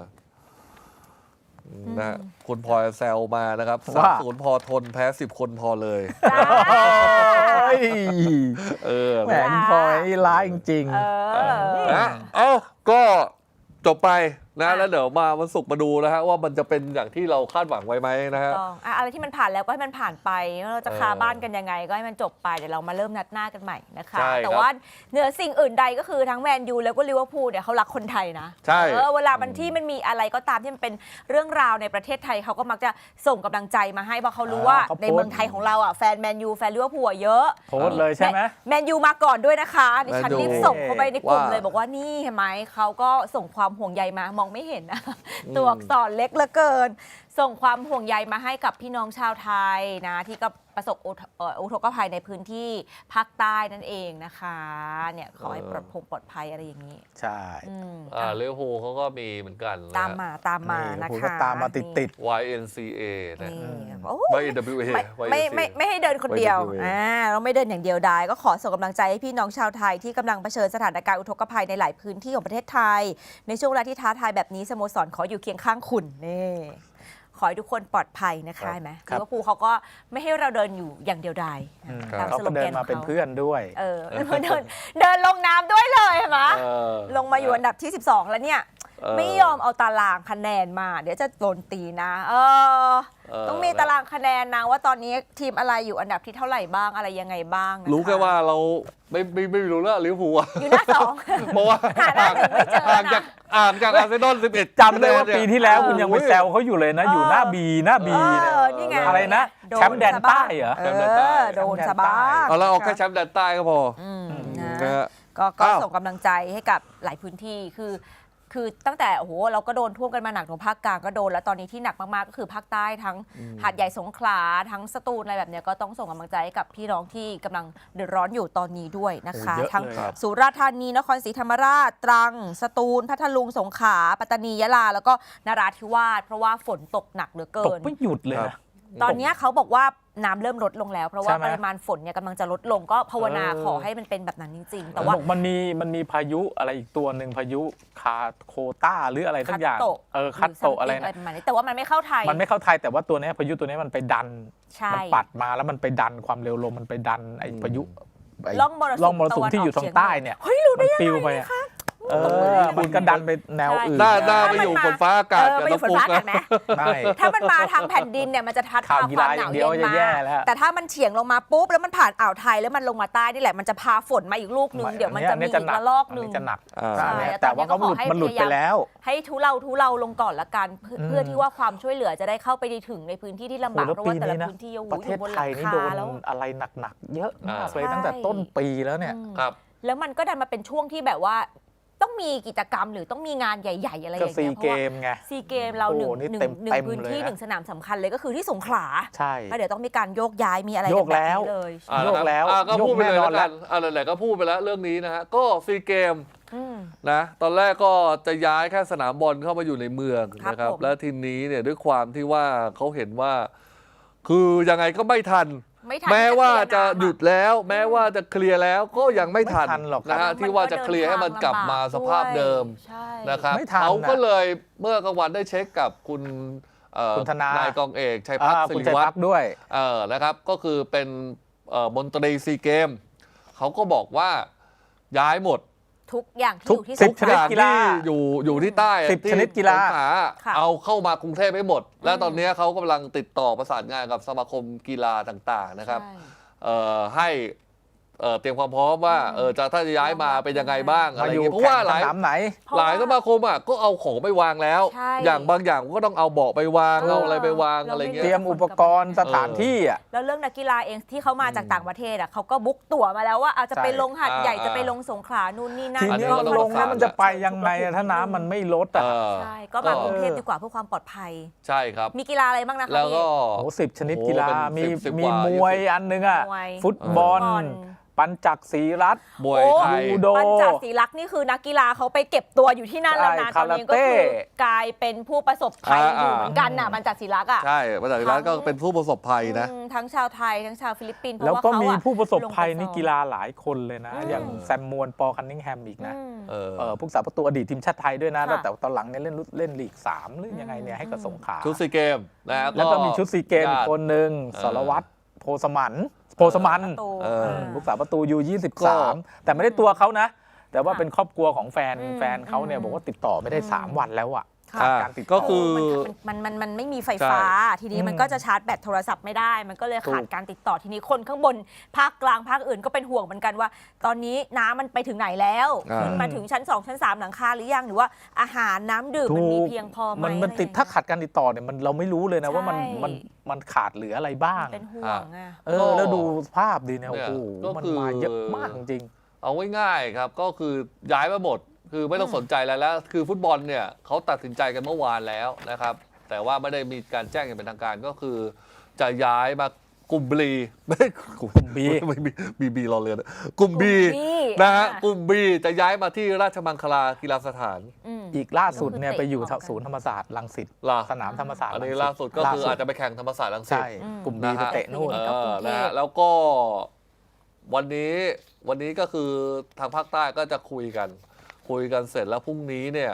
[SPEAKER 2] นะฮะคุณพลอยแซวมานะครับสามศูนย์พอทนแพ้สิบคนพอเลย
[SPEAKER 1] จ้า
[SPEAKER 3] เฮ้ย
[SPEAKER 2] เออ
[SPEAKER 3] แหมคุณพลอยนี่ร้ายจริง
[SPEAKER 1] เออ
[SPEAKER 2] นะเอ้าก็จบไปนะ
[SPEAKER 1] อ่ะ
[SPEAKER 2] แล้วเดี๋ยวมาวันศุกร์มาดูนะฮะว่ามันจะเป็นอย่างที่เราคาดหวังไว้ไหมนะฮะ
[SPEAKER 1] ต้องอ่ะอะไรที่มันผ่านแล้วก็ให้มันผ่านไปเราจะ
[SPEAKER 2] เออ
[SPEAKER 1] คาบ้านกันยังไงก็ให้มันจบไปเดี๋ยวเรามาเริ่มนัดหน้ากันใหม่นะคะ
[SPEAKER 2] ใช่ครับ
[SPEAKER 1] แต่ว่าเหนือสิ่งอื่นใดก็คือทั้งแมนยูแล้วก็ลิเวอร์พูลเนี่ยเขารักคนไทยนะ
[SPEAKER 2] ใช่
[SPEAKER 1] เออเวลามันที่มันมีอะไรก็ตามที่มันเป็นเรื่องราวในประเทศไทยเขาก็มักจะส่งกำลังใจมาให้เพราะเขารู้ว่า
[SPEAKER 3] อ่าเขาโพสต์
[SPEAKER 1] ในเมืองไทยของเราอ่ะแฟนแมนยูแฟนลิเวอร์พูลอ่ะเยอะ
[SPEAKER 3] ๆโพสต์เลยใช่ไหม
[SPEAKER 1] แมนยูมาก่อนด้วยนะคะดิฉัน
[SPEAKER 2] แมนยู
[SPEAKER 1] รีบส่งเข้าไปในกลุ่ม
[SPEAKER 2] ว่า
[SPEAKER 1] เลยบอกว่านี่เห็นไหมเขาก็ส่งความห่วงใยมามองไม่เห็นนะ ตัวอักษรเล็กเหลือเกิน ส่งความห่วงใยมาให้กับพี่น้องชาวไทยนะที่ก็ประสบอุทเอ่ออุทกภัยในพื้นที่ภาคใต้นั่นเองนะคะเนี่ยขอให้ปลอดพงปลอดภัยอะไรอย่างนี้
[SPEAKER 3] ใช่
[SPEAKER 1] อืม
[SPEAKER 2] อ่า
[SPEAKER 1] อ่ะ
[SPEAKER 2] ลิเวอร์พูลเขาก็มีเหมือนกันนะ
[SPEAKER 1] ตามมาตามมา
[SPEAKER 3] นี่
[SPEAKER 1] นะ
[SPEAKER 3] ผม
[SPEAKER 1] คะ
[SPEAKER 3] ก็ตามมาติดติด
[SPEAKER 2] วาย เอ็น ซี เอ นะ
[SPEAKER 1] นี่โอ้
[SPEAKER 2] วาย เอ็น ดับเบิลยู เอ
[SPEAKER 1] ไม่ไม่ไม่ไม่ให้เดินคนเดียว
[SPEAKER 2] วาย เอ็น ดับเบิลยู เอ
[SPEAKER 1] อ่าเราไม่เดินอย่างเดียวได้ก็ขอส่งกำลังใจให้พี่น้องชาวไทยที่กำลังเผชิญสถานการณ์อุทกภัยในหลายพื้นที่ของประเทศไทย ในช่วงเวลาที่ท้าทายแบบนี้สโมสรขออยู่เคียงข้างคุณนี่ขขอให้ทุกคนปลอดภัยนะคะเห็นไหม
[SPEAKER 3] ครับ
[SPEAKER 1] ลิเวอร์พูลเขาก็ไม่ให้เราเดินอยู่อย่างเดียวดาย
[SPEAKER 3] อืม
[SPEAKER 1] ตาม
[SPEAKER 3] เขา
[SPEAKER 1] สโล
[SPEAKER 3] ก็
[SPEAKER 1] แก
[SPEAKER 3] เดิน
[SPEAKER 1] น
[SPEAKER 3] มา
[SPEAKER 1] ของ
[SPEAKER 3] เป็น
[SPEAKER 1] เขา
[SPEAKER 3] เพื่อนด้วย
[SPEAKER 1] เออ เดินเดินลงน้ำด้วยเลยเห็นไหม
[SPEAKER 2] เออ
[SPEAKER 1] ลงมาอยู่อันดับที่ สิบสอง แล้วเนี่ย
[SPEAKER 2] เออ
[SPEAKER 1] ไม่ยอมเอาตารางคะแนนมา เดี๋ยวจะโดนตีนะ เออ
[SPEAKER 2] เออ
[SPEAKER 1] ต้องมีตารางคะแนนนะว่าตอนนี้ทีมอะไรอยู่อันดับที่เท่าไหร่บ้างอะไรยังไงบ้างนะคะ
[SPEAKER 2] รู้แค่ว่าเราไม่ไม่ไม่รู้แล้วลิเวอร์พูลอะ
[SPEAKER 1] อยู่หน้าสอง
[SPEAKER 2] เพราะว่า
[SPEAKER 1] หาหน้าหนึ่งไม่เจอ
[SPEAKER 2] ห่าง
[SPEAKER 1] นะ
[SPEAKER 2] จากห่างจากอาร์เซนอลสิบเอ็ด
[SPEAKER 3] จำได้ว่าปีที่แล้วคุณยังไปแซวเขาอยู่เลยนะ อยู่หน้าบีหน้าบี
[SPEAKER 1] เอ
[SPEAKER 3] เนี่ย
[SPEAKER 1] อนี่ไง
[SPEAKER 3] อะไรนะ
[SPEAKER 1] โด
[SPEAKER 3] แชมป์แดนใต้เหรอ
[SPEAKER 1] เอ
[SPEAKER 2] แชมป์แดนใต้
[SPEAKER 1] อโดนสะบ้า
[SPEAKER 2] เอาแล้วเอาแค่แชมป์แดนใต้ก็พอ
[SPEAKER 1] อืม
[SPEAKER 2] นะ
[SPEAKER 1] นะ
[SPEAKER 2] ฮะ
[SPEAKER 1] ก็ก็
[SPEAKER 2] อ้าว
[SPEAKER 1] ส่งกำลังใจให้กับหลายพื้นที่คือ คือตั้งแต่โอ้โหเราก็โดนท่วมกันมาหนักตรงภาคกลางก็โดนแล้วตอนนี้ที่หนักมากๆก็คือภาคใต้ทั้งหาดใหญ่สงขลาทั้งสตูลอะไรแบบเนี้ยก็ต้องส่งกำลังใจให้กับพี่น้องที่กำลังเดือดร้อนอยู่ตอนนี้ด้วยนะคะ
[SPEAKER 3] โอ้เยอะ
[SPEAKER 1] ทั้ง
[SPEAKER 3] เลยครับ
[SPEAKER 1] สุราษฎร์ธานีนครศรีธรรมราชตรังสตูลพัทลุงสงขลาปัตตานียะลาแล้วก็นราธิวาสเพราะว่าฝนตกหนักเหลือเกิ
[SPEAKER 3] ตก
[SPEAKER 1] น
[SPEAKER 3] ไม่หยุดเลย
[SPEAKER 2] ครั
[SPEAKER 3] นะ
[SPEAKER 2] บ
[SPEAKER 1] ตอนเนี้ยเขาบอกว่าน้ำเริ่มลดลงแล้ว เพราะว่า
[SPEAKER 3] ใช่ไหม
[SPEAKER 1] ปริมาณฝนเนี่ยกำลังจะลดลงก็ภาวนา
[SPEAKER 3] เออ
[SPEAKER 1] ขอให้มันเป็นแบบนั้นจริงๆ แต่ว่า
[SPEAKER 3] บอกมันมีมันมีพายุอะไรอีกตัวหนึ่งพายุคาโคต้าหรืออะไรสักอย่าง
[SPEAKER 1] คัตโตะ
[SPEAKER 3] เออคัตโตะอะไร
[SPEAKER 1] ห
[SPEAKER 3] นะ
[SPEAKER 1] ประมาณนี้แต่ว่ามันไม่เข้าไทย
[SPEAKER 3] มันไม่เข้าไทยแต่ว่าตัวเนี้ยพายุตัวเนี้ยมันไปดัน
[SPEAKER 1] ใช่
[SPEAKER 3] มัปัดมาแล้วมันไปดันความเร็วลมมันไปดันไอ้พายุไ
[SPEAKER 1] ร่องมรสุม
[SPEAKER 3] ร่องมรสุมที่อยู่ทางใต้เนี่ยมันปลิวไปอะเออมันก็ดันไปแนวอื่น
[SPEAKER 2] หน้าหน้าไปอยู่บนฟ้าอากาศ
[SPEAKER 1] เออ
[SPEAKER 2] กับ
[SPEAKER 1] ไปอยู่
[SPEAKER 2] น้ำ
[SPEAKER 1] ฝน
[SPEAKER 2] ฟุก
[SPEAKER 1] ฟ้าอากา
[SPEAKER 2] นะ
[SPEAKER 1] ศไหม
[SPEAKER 3] ไม่
[SPEAKER 1] ถ้ามันมาทางแผ่นดินเนี่ยมันจะทัด
[SPEAKER 3] ข่าว
[SPEAKER 1] พา
[SPEAKER 3] กี
[SPEAKER 1] ควา
[SPEAKER 3] ฬาม
[SPEAKER 1] ห
[SPEAKER 3] อน
[SPEAKER 1] าว
[SPEAKER 3] ย่างเดี
[SPEAKER 1] เย็
[SPEAKER 3] ยวน จะ
[SPEAKER 1] มา
[SPEAKER 3] แย่แล้ว
[SPEAKER 1] แต่ถ้ามันเฉียงลงมาปุ๊บแล้วมันผ่านอ่าวไทยแล้วมันลงมาใต้นี่แหละมันจะพาฝนมาอีกลูกนึงเดี๋ยวมันจะมีอีกระลอกนึง
[SPEAKER 3] จะหนัก
[SPEAKER 2] อ่า
[SPEAKER 1] ใช่
[SPEAKER 3] อันเนี้ย
[SPEAKER 1] แต่
[SPEAKER 3] แต่ว่า
[SPEAKER 1] ตอนนี้ก็
[SPEAKER 3] เขาหลุด
[SPEAKER 1] ขอให้
[SPEAKER 3] มันหลุด
[SPEAKER 1] พ
[SPEAKER 3] ไป
[SPEAKER 1] ยายาม
[SPEAKER 3] แล้ว
[SPEAKER 1] ให้ทุเลาทุเลาลงก่อนละกันเพื่อ
[SPEAKER 3] อืม
[SPEAKER 1] เพื่อที่ว่าความช่วยเหลือจะได้เข้าไปถึงในพื้นที่ที่ลำบาก
[SPEAKER 3] โอ้
[SPEAKER 1] เพ
[SPEAKER 3] โห
[SPEAKER 1] ราะว่าแต่ละ
[SPEAKER 3] แล้วปีนี้นะ
[SPEAKER 1] พื้นที่โอ้โห
[SPEAKER 3] ประ
[SPEAKER 1] อ
[SPEAKER 3] เทศ
[SPEAKER 1] ยู่บนห
[SPEAKER 3] ไท
[SPEAKER 1] ลั
[SPEAKER 3] ย
[SPEAKER 1] ง
[SPEAKER 3] นี่
[SPEAKER 1] คา
[SPEAKER 3] โดน
[SPEAKER 1] แล้ว
[SPEAKER 3] อะไรหนักๆเยอะมาก
[SPEAKER 2] อ่า
[SPEAKER 3] เลย
[SPEAKER 1] ใช่
[SPEAKER 3] ตั้งแต่ต้นปีแล้วเนี่ย
[SPEAKER 1] อืม
[SPEAKER 2] ครับ
[SPEAKER 1] แล้วมันก็ดันมาเป็นช่วงที่แบบว่าต้องมีกิจกรรมหรือต้องมีงานใหญ่ ๆ อะไรอ
[SPEAKER 3] ก็
[SPEAKER 1] ย่าง
[SPEAKER 3] ซี
[SPEAKER 1] เงี้ยเพ
[SPEAKER 3] เก
[SPEAKER 1] ราะว่าม
[SPEAKER 3] ไง
[SPEAKER 1] ซีเกมเราหนึ่ง
[SPEAKER 3] โอ้โหนี่
[SPEAKER 1] หนึ่ง
[SPEAKER 3] เต็ม
[SPEAKER 1] หนึ่
[SPEAKER 3] เต็
[SPEAKER 1] ง
[SPEAKER 3] ม
[SPEAKER 1] พื้นที่
[SPEAKER 3] เลยนะ
[SPEAKER 1] หนึ่งสนามสำคัญเลยก็คือที่สงขลา
[SPEAKER 3] ใช่
[SPEAKER 1] ก็เดี๋ยวต้องมีการโยกย้ายมีอะไร
[SPEAKER 3] โย
[SPEAKER 1] กัน
[SPEAKER 3] ก
[SPEAKER 1] แบบ
[SPEAKER 3] แล้ว
[SPEAKER 1] นี้เลย
[SPEAKER 2] อ่า
[SPEAKER 3] โยกแล้ว
[SPEAKER 2] อ่าก็
[SPEAKER 3] โยก
[SPEAKER 2] พูดไปเลย
[SPEAKER 3] แน่นอน
[SPEAKER 2] แล้วกันอ่าไหนๆก็พูดไปแล้วเรื่องนี้นะฮะก็ซีเกม
[SPEAKER 1] อืม
[SPEAKER 2] นะตอนแรกก็จะย้ายแค่สนามบอลเข้ามาอยู่ในเมือง
[SPEAKER 1] ครับ
[SPEAKER 2] นะครับ
[SPEAKER 1] ผม
[SPEAKER 2] แล้วทีนี้เนี่ยด้วยความที่ว่าเขาเห็นว่า คือยังไงก็ไม่ทัน
[SPEAKER 1] ไม่ทัน
[SPEAKER 2] แม้ว่าจะ
[SPEAKER 1] เคลียร์น้ำ
[SPEAKER 2] หยุดแล้ว แม้ว่าจะเคลียร์แล้วก็ยังไม่ทัน
[SPEAKER 3] ไม่ทันหรอก
[SPEAKER 2] นะฮะ
[SPEAKER 1] มัน
[SPEAKER 2] ที่ว่าจะเคลียร์ให้มันกลับมาสภาพเดิม
[SPEAKER 1] ใช่
[SPEAKER 2] นะครับ
[SPEAKER 3] ไม่ทัน
[SPEAKER 2] เขาก็
[SPEAKER 3] น่ะ
[SPEAKER 2] เลยเมื่อกลางวันได้เช็คกับคุณเอ่อ
[SPEAKER 3] คุณธนาน
[SPEAKER 2] ายกองเอกชัยพัฒ
[SPEAKER 3] อ่า
[SPEAKER 2] น์ศิ
[SPEAKER 3] คุณ
[SPEAKER 2] ริ
[SPEAKER 3] ชัย
[SPEAKER 2] วัฒ
[SPEAKER 3] พัก
[SPEAKER 2] น์
[SPEAKER 3] ด้วย
[SPEAKER 2] เออนะครับก็คือเป็นเอ่อมนตรีซีเกมเขาก็บอกว่าย้ายหมด
[SPEAKER 1] ทุกอย่างที่
[SPEAKER 3] ทุ
[SPEAKER 1] อก ยู่ที่
[SPEAKER 3] สิ
[SPEAKER 1] ส
[SPEAKER 3] บ
[SPEAKER 1] งข
[SPEAKER 3] ชนิด
[SPEAKER 1] ลา
[SPEAKER 3] กีฬา
[SPEAKER 2] ที่อยู่อยู่ที่ใต้
[SPEAKER 3] สิบ
[SPEAKER 2] ที่
[SPEAKER 3] ชนิดกีฬา
[SPEAKER 2] สงขลา
[SPEAKER 1] ค่ะ
[SPEAKER 2] เอาเข้ามากรุงเทพให้หมด และตอนนี้เขากำลังติดต่อประสานงานกับสมาคมกีฬาต่างๆนะครับ
[SPEAKER 1] ใช่
[SPEAKER 2] เอ่อให้เอ่อเตรียมความพร้อมว่าเออจะถ้าจะย้ายมาเป็นยังไงบ้างอะ
[SPEAKER 3] มา
[SPEAKER 2] ไรอ
[SPEAKER 3] อยู่
[SPEAKER 2] ย่างเงี้ยเพราะว่าหลาย
[SPEAKER 3] แข่งสนามไหน
[SPEAKER 1] เพราะ
[SPEAKER 2] หลาย
[SPEAKER 1] ว่า
[SPEAKER 2] สมาคมอ่ะก็เอาของไปวางแล้ว
[SPEAKER 1] ใช่
[SPEAKER 2] อย่างบางอย่างก็ต้องเอาเบาะไปวาง
[SPEAKER 1] เออ
[SPEAKER 2] เอาอะไรไปวาง
[SPEAKER 1] เรา
[SPEAKER 2] อะไร
[SPEAKER 1] ไม่
[SPEAKER 2] เงี้
[SPEAKER 3] เตรี
[SPEAKER 2] ย
[SPEAKER 3] ยมอุปกรณ์สถานที่อ่ะ
[SPEAKER 1] แล้วเรื่องนักกีฬาเองที่เขามาจากต่างประเทศอ่ะเขาก็บุ๊กตั๋วมาแล้วว่าอาจจะไปลงหัดใหญ่
[SPEAKER 2] อ่า
[SPEAKER 1] จะไปลงสงขลานู่นนี่นั่น
[SPEAKER 3] ที
[SPEAKER 2] อันนี้
[SPEAKER 3] นี้
[SPEAKER 2] ก็
[SPEAKER 3] มัน
[SPEAKER 2] ต้อง
[SPEAKER 3] ลง
[SPEAKER 2] ประ
[SPEAKER 3] แล้ว
[SPEAKER 2] สาน
[SPEAKER 3] มันจะไปยังไงอะถ้าน้ำมันไม่ลด
[SPEAKER 2] เอ
[SPEAKER 3] อ่ะ
[SPEAKER 2] อ
[SPEAKER 1] ใช่ก็มากรุงเทพดีกว่าเพื่อความปลอดภัย
[SPEAKER 2] ใช่ครับ
[SPEAKER 1] มีกีฬาอะไรบ้างนะคะ
[SPEAKER 2] แล้วก็
[SPEAKER 3] โอ้สิบชนิดกีฬา
[SPEAKER 2] โอ้โห
[SPEAKER 3] มี
[SPEAKER 2] เป็นสิบ
[SPEAKER 3] มี
[SPEAKER 2] กว่าม
[SPEAKER 3] วย
[SPEAKER 2] ยี่สิบ
[SPEAKER 3] อันหนึงอ่ะ
[SPEAKER 1] มวย
[SPEAKER 3] ฟุตบอล
[SPEAKER 1] ฟุตบอล
[SPEAKER 3] ปัญจักรศรีรัตน์
[SPEAKER 2] มวยไทย
[SPEAKER 3] ยูโด
[SPEAKER 1] ปัญจศรีลักษณ์นี่คือนักกีฬาเขาไปเก็บตัวอยู่ที่นั่นแล้วนะ
[SPEAKER 3] ใช่
[SPEAKER 1] ตอนนี้ก็
[SPEAKER 3] คาราเต้
[SPEAKER 1] คือกลายเป็นผู้ประสบภัย
[SPEAKER 2] อ่า
[SPEAKER 1] อยู่เหมือนกันน่ะปัญจศรีลักษณ์อ่ะ
[SPEAKER 2] ใช่ประชาชนก็เป็นผู้ประสบภัยนะ
[SPEAKER 1] อืมทั้งชาวไทยทั้งชาวฟิลิปปินส์เพ
[SPEAKER 3] แล้ว
[SPEAKER 1] ราะว่า
[SPEAKER 3] ก็
[SPEAKER 1] เขา
[SPEAKER 3] มี
[SPEAKER 1] อะ
[SPEAKER 3] ผู้ประสบภัย
[SPEAKER 1] ลงไป
[SPEAKER 3] นี่
[SPEAKER 1] ซ้อม
[SPEAKER 3] กีฬาหลายคนเลยนะ
[SPEAKER 1] อืม
[SPEAKER 3] อย่างแซมมวนปอคันนิงแฮมอีกนะ
[SPEAKER 1] อืม
[SPEAKER 2] เออ
[SPEAKER 3] เออผู้สาประตูอดีตทีมชาติไทยด้วยนะ
[SPEAKER 1] ค่ะ
[SPEAKER 3] แต่ตอนหลังเนี่ยเล่นรุ่นเล่นลีกสามหรือยังไงเนี่ยให้กับสงขลา
[SPEAKER 2] ชุดซีเกมนะ
[SPEAKER 3] แล้วก็มีชุดซีเกมอีกคนหนึ่ง
[SPEAKER 2] เออ
[SPEAKER 3] สรวัตรโพสมันโพสมัน
[SPEAKER 1] ประตู
[SPEAKER 2] เออ
[SPEAKER 3] อืมลูกสาวประตูยูยี่สิบ
[SPEAKER 2] ก็
[SPEAKER 3] สามแต่ไม่ได้ตัวเขานะ แต่ว่า
[SPEAKER 1] ค่ะ
[SPEAKER 3] เป็นครอบครัวของแฟน
[SPEAKER 1] อืม
[SPEAKER 3] แฟนเขาเนี่ย
[SPEAKER 1] อืม
[SPEAKER 3] บอกว่าติดต่อไม่ได้
[SPEAKER 1] อืม
[SPEAKER 3] สามวันแล้วอ่ะ
[SPEAKER 1] ค่ะ
[SPEAKER 3] ขาดการติด
[SPEAKER 2] ก็
[SPEAKER 3] ต่อ
[SPEAKER 2] คือ
[SPEAKER 1] มันมันมันมันไม่มีไฟฟ้า ทีนี้
[SPEAKER 3] อืม
[SPEAKER 1] มันก็จะชาร์จแบตโทรศัพท์ไม่ได้ มันก็เลยขาด
[SPEAKER 3] ถูก
[SPEAKER 1] การติดต่อทีนี้คนข้างบนภาคกลางภาคอื่นก็เป็นห่วงเหมือนกันว่า ตอนนี้น้ำมันไปถึงไหนแล้ว
[SPEAKER 2] อ่า
[SPEAKER 1] ขึ้นมาถึงชั้นสองชั้นสามหลังคาหรือยังหรือว่าอาหารน้ำดื่มมันมีเพียงพอไหม
[SPEAKER 3] มันมันติด
[SPEAKER 1] อะไรอย่ง
[SPEAKER 3] ถ้า
[SPEAKER 1] เงี้ย
[SPEAKER 3] ขาดการติดต่อเนี่ยมันเราไม่รู้เลยนะว่ามัน
[SPEAKER 1] ใช่
[SPEAKER 3] มันมันขาดเหลืออะไรบ้าง
[SPEAKER 1] เป็นห่วงอ่ะ
[SPEAKER 3] เออแล้วดูภาพดีเนี่ย
[SPEAKER 2] เนี่
[SPEAKER 3] โอ้
[SPEAKER 2] ย
[SPEAKER 3] โห
[SPEAKER 2] ก็
[SPEAKER 3] มัน
[SPEAKER 2] คือ
[SPEAKER 3] มาเยอะมากจริง
[SPEAKER 2] เอาง่ายๆครับก็คือย้ายมาหมด คือไม่ต้องสนใจอะไรแล้ว คือฟุตบอลเนี่ยเขาตัดสินใจกันเมื่อวานแล้วนะครับ แต่ว่าไม่ได้มีการแจ้งอย่างเป็นทางการก็คือ จะย้ายมากลุ่มบีไม่กลุ่ม
[SPEAKER 3] B
[SPEAKER 2] ไม่มีบีบีรอเรือนกลุ่มบี
[SPEAKER 1] กลุ่ม B
[SPEAKER 2] นะฮะ
[SPEAKER 1] อ่ะ
[SPEAKER 2] กลุ่มบีจะย้ายมาที่ราชมังคลากีฬาสถาน
[SPEAKER 1] อืม
[SPEAKER 3] ๆ อีกล่าสุดเนี่ย
[SPEAKER 1] ก็คือ
[SPEAKER 3] ไปอยู่
[SPEAKER 1] เตะออกกัน
[SPEAKER 3] ศูนย์ธรรมศาสตร์รังสิต
[SPEAKER 2] ล่ะ
[SPEAKER 3] สนามธรรมศาสตร์
[SPEAKER 2] อันนี้
[SPEAKER 3] รังสิต
[SPEAKER 2] ล่าสุดก็คืออาจจะไปแข่งธรรมศาสตร์รังสิต
[SPEAKER 3] ใช่
[SPEAKER 1] อืม
[SPEAKER 3] กลุ่มบี
[SPEAKER 2] นะ
[SPEAKER 3] ไป
[SPEAKER 2] ฮะ
[SPEAKER 3] เตะนู่น
[SPEAKER 2] เอ
[SPEAKER 1] ก็กรุ
[SPEAKER 2] อง
[SPEAKER 1] เทพ
[SPEAKER 2] นะฮะแล้วก็วันนี้วันนี้ก็คือทางภาคใต้ก็จะคุยกัน คุยกันเสร็จแล้วพรุ่งนี้เนี่ย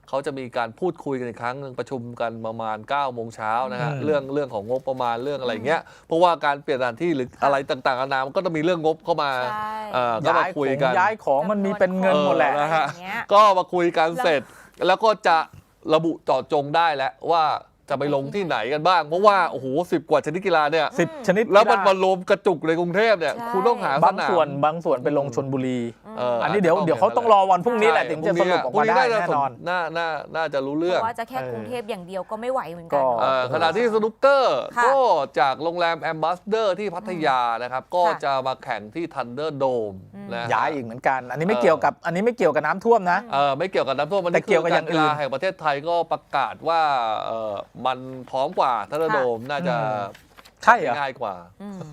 [SPEAKER 2] เขาจะมีการพูดคุยกันอีกครั้งหนึ่งประชุมกันประมาณเก้าโมงเช้านะฮะ
[SPEAKER 3] อืม
[SPEAKER 2] เรื่องเรื่องของงบประมาณเรื่องอะไรเงี้ยเพราะว่าการเปลี่ยนสถานที่หรืออะไรต่างๆนานามันก็ต้องมีเรื่องงบเข้ามา
[SPEAKER 1] ใช่
[SPEAKER 2] เอ่อก็มา
[SPEAKER 3] ย้ายข
[SPEAKER 2] คุย
[SPEAKER 3] อง
[SPEAKER 2] กัน
[SPEAKER 3] ย้ายของมันมีเป็นเงินหมดแหละ
[SPEAKER 2] เออนะฮะ
[SPEAKER 1] อะไรอย่างเงี้ย
[SPEAKER 2] ก็มาคุยกันเสร็จ แล้วก็จะระบุเจาะจงได้แล้วว่าจะไปลงที่ไหนกันบ้าง เพราะว่าโอ้โหสิบกว่าชนิดกีฬาเนี่ย
[SPEAKER 3] สิบชนิด
[SPEAKER 2] แล้วมัน
[SPEAKER 3] กีฬา
[SPEAKER 2] มารวมกระจุกในกรุงเทพเนี่ย
[SPEAKER 1] ใช่
[SPEAKER 2] คุณต้องหา
[SPEAKER 3] บาง
[SPEAKER 2] สาม
[SPEAKER 3] ส่วนบางส่วนไปลงชนบุรี
[SPEAKER 2] เ
[SPEAKER 3] อันนี้เดี๋ยวเดี๋ยวเขาต้องรอวันพรุ่งนี้แหละถึงจะสรุปออกมาได้แน่นอน
[SPEAKER 2] น่าน่าน่าจะรู้
[SPEAKER 1] เพ
[SPEAKER 2] เรื่อง
[SPEAKER 1] ราะว่าจะแค่
[SPEAKER 3] เออ
[SPEAKER 1] กรุงเทพอย่างเดียวก็ไม่ไหวเหมือนกั
[SPEAKER 3] ก็
[SPEAKER 1] น
[SPEAKER 2] เอ่อขณะที่สนุกเกอร์
[SPEAKER 1] ค่ะ
[SPEAKER 2] ก็จากโรงแรมแอมบาสเดอร์ที่พัทยานะครับ ก็
[SPEAKER 1] ค่ะ
[SPEAKER 2] จะมาแข่งที่ทันเดอร์โดม
[SPEAKER 1] อืม
[SPEAKER 2] นะฮะ
[SPEAKER 3] ย้ายอีกเหมือนกัน อันนี้ไม่
[SPEAKER 2] เออ
[SPEAKER 3] เกี่ยวกับอันนี้ไม่เกี่ยวกับน้ำท่วมนะ
[SPEAKER 2] เออไม่เกี่ยวกับน้ำท่วมมัน
[SPEAKER 3] แต่เกี่ยวกับอย่างอื่น
[SPEAKER 2] รกีฬาแห่งประเทศไทยก็ประกาศว่าเออมันพร้อมกว่าทันเดอร์โดมน่าจะ
[SPEAKER 3] ใช่เหรอ
[SPEAKER 2] ง่ายกว่า
[SPEAKER 1] อืม